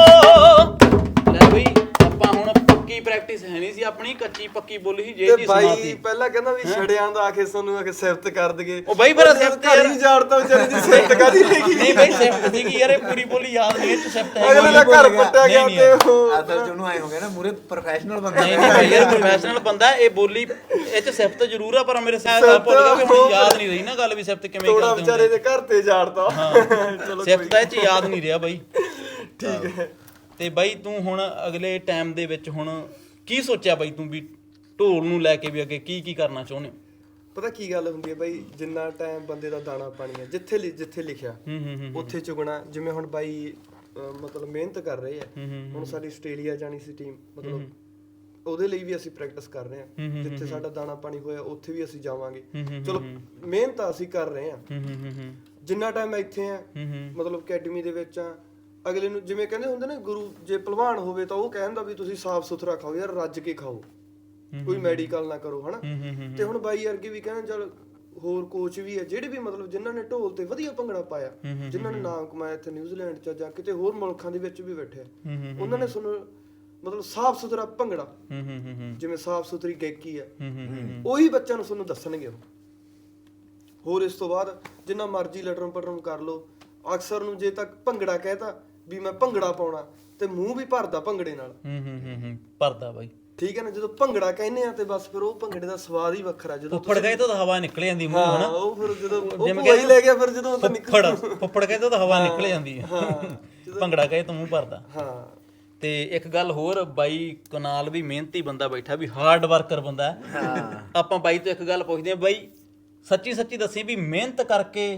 S1: ਲੈ ਬਈ ਆਪਾਂ ਹੁਣ ਪੱਕੀ ਪ੍ਰੈਕਟਿਸ ਹੈ ਨਹੀਂ ਸੀ ਆਪਣੀ ਕੱਚੀ ਪੱਕੀ ਬੋਲੀ ਸੀ ਜੇ ਦੀ ਸੁਣਾਤੀ।
S3: ਬਾਈ ਪਹਿਲਾਂ ਕਹਿੰਦਾ ਵੀ ਛੜਿਆਂ ਦਾ ਆਖੇ ਸਾਨੂੰ ਆਖੇ ਸਿਫਤ ਕਰ ਦਗੇ।
S1: ਉਹ ਬਾਈ ਫਿਰ ਸਿਫਤ
S3: ਘਰ ਹੀ ਜਾੜਦਾ ਵਿਚਾਰੇ ਦੀ ਸਿਫਤ ਕਾਦੀ ਹੈਗੀ।
S1: ਨਹੀਂ ਬਾਈ ਸਿਫਤ ਸੀਗੀ ਯਾਰ ਇਹ ਪੂਰੀ ਬੋਲੀ ਯਾਦ ਨਹੀਂ ਇਹ ਚ ਸਿਫਤ ਹੈ
S3: ਅਗਲੇ ਦਾ ਘਰ ਪੱਟਿਆ ਗਿਆ ਤੇ ਉਹ
S2: ਅਸਲ ਚ ਉਹਨੂੰ ਆਏ ਹੋ ਗਿਆ ਨਾ ਮੂਰੇ ਪ੍ਰੋਫੈਸ਼ਨਲ ਬੰਦਾ
S1: ਨਹੀਂ ਨਹੀਂ ਭਾਈ ਯਾਰ ਪ੍ਰੋਫੈਸ਼ਨਲ ਬੰਦਾ ਇਹ ਬੋਲੀ ਇਹ ਚ ਸਿਫਤ ਜ਼ਰੂਰ ਆ ਪਰ ਮੇਰੇ ਸਾਹ ਦਾ ਭੁੱਲ ਗਿਆ ਵੀ ਹੁਣ ਯਾਦ ਨਹੀਂ ਰਹੀ ਨਾ ਗੱਲ ਵੀ ਸਿਫਤ ਕਿਵੇਂ
S3: ਥੋੜਾ
S1: ਕਰਦੇ
S3: ਵਿਚਾਰੇ
S1: ਹੁੰਦੇ
S3: ਦੇ ਘਰ ਤੇ ਜਾੜਦਾ। ਚਲੋ
S1: ਸਿਫਤ ਇਹ ਚ ਯਾਦ ਨਹੀਂ ਰਿਹਾ ਬਾਈ।
S3: ਠੀਕ ਹੈ।
S1: ਤੇ ਬਾਈ ਤੂੰ ਹੁਣ ਅਗਲੇ ਟਾਈਮ ਦੇ ਵਿੱਚ ਹੁਣ ਕੀ ਸੋਚਿਆ ਬਾਈ ਤੂੰ ਵੀ ਢੋਲ ਨੂੰ ਲੈ ਕੇ ਵੀ ਅੱਗੇ ਕੀ ਕੀ ਕਰਨਾ ਚਾਹੁੰਦੇ ਹੋ?
S3: ਪਤਾ ਕੀ ਗੱਲ ਹੁੰਦੀ ਹੈ ਬਾਈ ਜਿੰਨਾ ਟਾਈਮ ਬੰਦੇ ਦਾ ਦਾਣਾ ਪਾਣੀ ਹੈ ਜਿੱਥੇ ਲਿ- ਜਿੱਥੇ ਲਿਖਿਆ
S1: ਹੂੰ ਹੂੰ ਹੂੰ
S3: ਉੱਥੇ ਚੁਗਣਾ। ਜਿਵੇਂ ਹੁਣ ਬਾਈ ਅਹ ਮਤਲਬ ਮਿਹਨਤ ਕਰ ਰਹੇ ਆ। ਹੁਣ ਸਾਡੀ ਆਸਟ੍ਰੇਲੀਆ ਜਾਣੀ ਸੀ ਟੀਮ ਮਤਲਬ ਉਹਦੇ ਲਈ ਵੀ ਅਸੀਂ ਪ੍ਰੈਕਟਿਸ ਕਰ ਰਹੇ ਹਾਂ। ਜਿੱਥੇ ਸਾਡਾ ਦਾਣਾ ਪਾਣੀ ਹੋਇਆ ਉੱਥੇ ਵੀ ਅਸੀਂ ਜਾਵਾਂਗੇ। ਚਲੋ ਮਿਹਨਤ ਅਸੀਂ ਕਰ ਰਹੇ ਹਾਂ।
S1: ਹੂੰ ਹੂੰ ਹੂੰ
S3: ਜਿੰਨਾ ਟਾਈਮ ਮੈਂ ਇੱਥੇ ਆ ਮਤਲਬ ਅਕੈਡਮੀ ਦੇ ਵਿੱਚ ਆ ਅਗਲੇ ਨੂੰ ਜਿਵੇਂ ਕਹਿੰਦੇ ਹੁੰਦੇ ਨੇ ਗੁਰੂ ਜੇ ਭਲਵਾਨ ਹੋਵੇ ਤਾਂ ਉਹ ਕਹਿੰਦਾ ਵੀ ਤੁਸੀਂ ਸਾਫ਼ ਸੁਥਰਾ ਖਾਓ ਯਾਰ ਰੱਜ ਕੇ ਖਾਓ ਕੋਈ ਮੈਡੀਕਲ ਨਾ ਕਰੋ ਹਨਾ। ਤੇ ਹੁਣ ਬਾਈ ਵਰਗੇ ਵੀ ਕਹਿੰਦੇ ਚਲ ਹੋਰ ਕੋਚ ਵੀ ਹੈ ਜਿਹੜੇ ਵੀ ਮਤਲਬ ਜਿਨ੍ਹਾਂ ਨੇ ਢੋਲ ਤੇ ਵਧੀਆ ਭੰਗੜਾ ਪਾਇਆ ਜਿਨ੍ਹਾਂ ਨੇ ਨਾਮ ਕਮਾਇਆ ਇੱਥੇ ਨਿਊਜ਼ੀਲੈਂਡ ਚ ਜਾਂ ਕਿਤੇ ਹੋਰ ਮੁਲਕਾਂ ਦੇ ਵਿੱਚ ਵੀ ਬੈਠੇ ਉਹਨਾਂ ਨੇ ਸਾਨੂੰ ਮਤਲਬ ਸਾਫ਼ ਸੁਥਰਾ ਭੰਗੜਾ ਜਿਵੇਂ ਸਾਫ਼ ਸੁਥਰੀ ਗਾਇਕੀ ਹੈ ਉਹੀ ਬੱਚਿਆਂ ਨੂੰ ਤੁਹਾਨੂੰ ਦੱਸਣਗੇ ਉਹ। ਹੋਰ ਇਸ ਤੋਂ ਬਾਅਦ ਜਿੰਨਾ ਮਰਜ਼ੀ ਲਟਰਮ ਪਟਰਮ ਕਰ ਲਓ ਅਕਸਰ ਨੂੰ ਜੇ ਤੱਕ ਭੰਗੜਾ ਕਹਿਤਾ ਵੀ ਮੈਂ ਭੰਗੜਾ ਪਾਉਣਾ ਤੇ ਮੂੰਹ ਵੀ ਭਰਦਾ ਭੰਗੜੇ ਨਾਲ।
S1: ਹੂੰ ਹੂੰ ਹੂੰ ਹੂੰ ਭਰਦਾ ਬਾਈ
S3: ਠੀਕ ਹੈ ਨਾ। ਜਦੋਂ ਭੰਗੜਾ ਕਹਿੰਦੇ ਆ ਤੇ ਬਸ ਫਿਰ ਉਹ ਭੰਗੜੇ ਦਾ ਸਵਾਦ ਹੀ ਵੱਖਰਾ। ਜਦੋਂ
S1: ਫੁੱਫੜ ਗਏ ਤਾਂ ਹਵਾ ਨਿਕਲ ਜਾਂਦੀ ਮੂੰਹ ਹਨਾ।
S3: ਉਹ ਫਿਰ ਜਦੋਂ ਉਹ ਕੋਈ ਲੈ ਗਿਆ ਫਿਰ ਜਦੋਂ ਤਾਂ ਨਿਕਲ
S1: ਫੁੱਫੜ ਫੁੱਫੜ ਗਏ ਤਾਂ ਹਵਾ ਨਿਕਲ ਜਾਂਦੀ ਹੈ ਭੰਗੜਾ ਕਹੇ ਤਾਂ ਮੂੰਹ ਭਰਦਾ।
S3: ਹਾਂ
S1: ਤੇ ਇੱਕ ਗੱਲ ਹੋਰ ਬਾਈ ਕਨਾਲ ਵੀ ਮਿਹਨਤੀ ਬੰਦਾ ਬੈਠਾ ਵੀ ਹਾਰਡ ਵਰਕਰ ਬੰਦਾ ਆਪਾਂ ਬਾਈ ਤੋਂ ਇੱਕ ਗੱਲ ਪੁੱਛਦੇ ਆ ਬਾਈ ਸੱਚੀ ਸੱਚੀ ਦੱਸੀ ਵੀ ਮਿਹਨਤ ਕਰਕੇ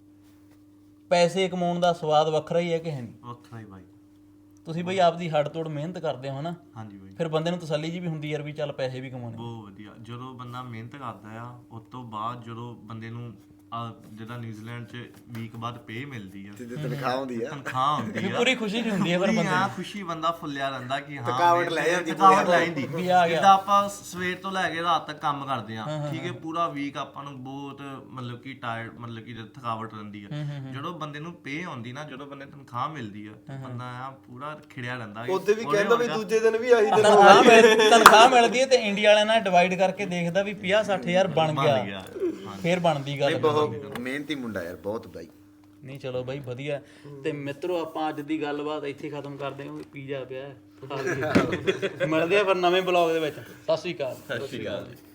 S1: ਪੈਸੇ ਕਮਾਉਣ ਦਾ ਸਵਾਦ ਵੱਖਰਾ ਹੀ ਹੈ ਕਿ ਹੈ ਨਹੀਂ?
S4: ਵੱਖਰਾ ਹੀ ਬਾਈ।
S1: ਤੁਸੀਂ ਬਈ ਆਪਦੀ ਹੱਡ ਤੋੜ ਮਿਹਨਤ ਕਰਦੇ ਹੋ ਹਨਾ।
S4: ਹਾਂਜੀ ਬਾਈ
S1: ਫਿਰ ਬੰਦੇ ਨੂੰ ਤਸੱਲੀ ਜੀ ਵੀ ਹੁੰਦੀ ਯਾਰ ਵੀ ਚੱਲ ਪੈਸੇ ਵੀ ਕਮਾਉਣੇ।
S4: ਬਹੁਤ ਵਧੀਆ ਜਦੋਂ ਬੰਦਾ ਮਿਹਨਤ ਕਰਦਾ ਆ ਉਸ ਤੋਂ ਬਾਅਦ ਜਦੋਂ ਬੰਦੇ ਨੂੰ ਜਿਹੜਾ ਨਿਊਜ਼ੀਲੈਂਡ ਚ ਵੀਕ ਬਾਅਦ ਪੇ ਮਿਲਦੀ ਆ
S2: ਸਿੱਧੀ ਤਨਖਾਹ ਹੁੰਦੀ ਆ
S4: ਤਨਖਾਹ ਹੁੰਦੀ ਆ
S1: ਪੂਰੀ ਖੁਸ਼ੀ ਹੁੰਦੀ ਹੈ ਪਰ ਬੰਦੇ
S4: ਆ ਖੁਸ਼ੀ ਬੰਦਾ ਫੁੱਲਿਆ ਰਹਿੰਦਾ ਕਿ ਹਾਂ
S2: ਥਕਾਵਟ ਲੈ ਜਾਂਦੀ
S4: ਥਕਾਵਟ ਲੈ ਜਾਂਦੀ
S1: ਵੀ ਆ ਗਿਆ।
S4: ਜਿੱਦਾਂ ਆਪਾਂ ਸਵੇਰ ਤੋਂ ਲੈ ਕੇ ਰਾਤ ਤੱਕ ਕੰਮ ਕਰਦੇ ਆ ਠੀਕ ਹੈ ਪੂਰਾ ਵੀਕ ਆਪਾਂ ਨੂੰ ਬਹੁਤ ਮਤਲਬ ਕਿ ਟਾਇਰਡ ਮਤਲਬ ਕਿ ਥਕਾਵਟ ਰਹਿੰਦੀ ਆ। ਜਦੋਂ ਬੰਦੇ ਨੂੰ ਪੇ ਆਉਂਦੀ ਨਾ ਜਦੋਂ ਬੰਦੇ ਤਨਖਾਹ ਮਿਲਦੀ ਆ ਬੰਦਾ ਆ ਪੂਰਾ ਖਿੜਿਆ ਰਹਿੰਦਾ।
S3: ਉਹਦੇ ਵੀ ਕਹਿੰਦਾ ਵੀ ਦੂਜੇ ਦਿਨ ਵੀ ਆਹੀ ਦਿਨ
S1: ਤਨਖਾਹ ਮਿਲ ਤਨਖਾਹ ਮਿਲਦੀ ਹੈ ਤੇ ਇੰਡੀਆ ਵਾਲਿਆਂ ਨਾਲ ਡਿਵਾਈਡ ਕਰਕੇ ਦੇਖਦਾ ਵੀ ਪੰਜਾਹ ਸੱਠ ਹਜ਼ਾਰ ਬਣ ਗਿਆ ਫੇਰ ਬਣਦੀ ਗੱਲ।
S2: ਬਹੁਤ ਮਿਹਨਤੀ ਮੁੰਡਾ ਯਾਰ ਬਹੁਤ ਬਾਈ।
S1: ਨਹੀਂ ਚਲੋ ਬਾਈ ਵਧੀਆ। ਤੇ ਮਿੱਤਰੋ ਆਪਾਂ ਅੱਜ ਦੀ ਗੱਲਬਾਤ ਇੱਥੇ ਖਤਮ ਕਰਦੇ ਹਾਂ। ਪੀਜ਼ਾ ਪਿਆ ਮਿਲਦੇ ਆ ਫਿਰ ਨਵੇਂ ਬਲੌਗ ਦੇ ਵਿੱਚ। ਸਤਿ ਸ਼੍ਰੀ ਅਕਾਲ।
S4: ਸਤਿ ਸ਼੍ਰੀ ਅਕਾਲ ਜੀ।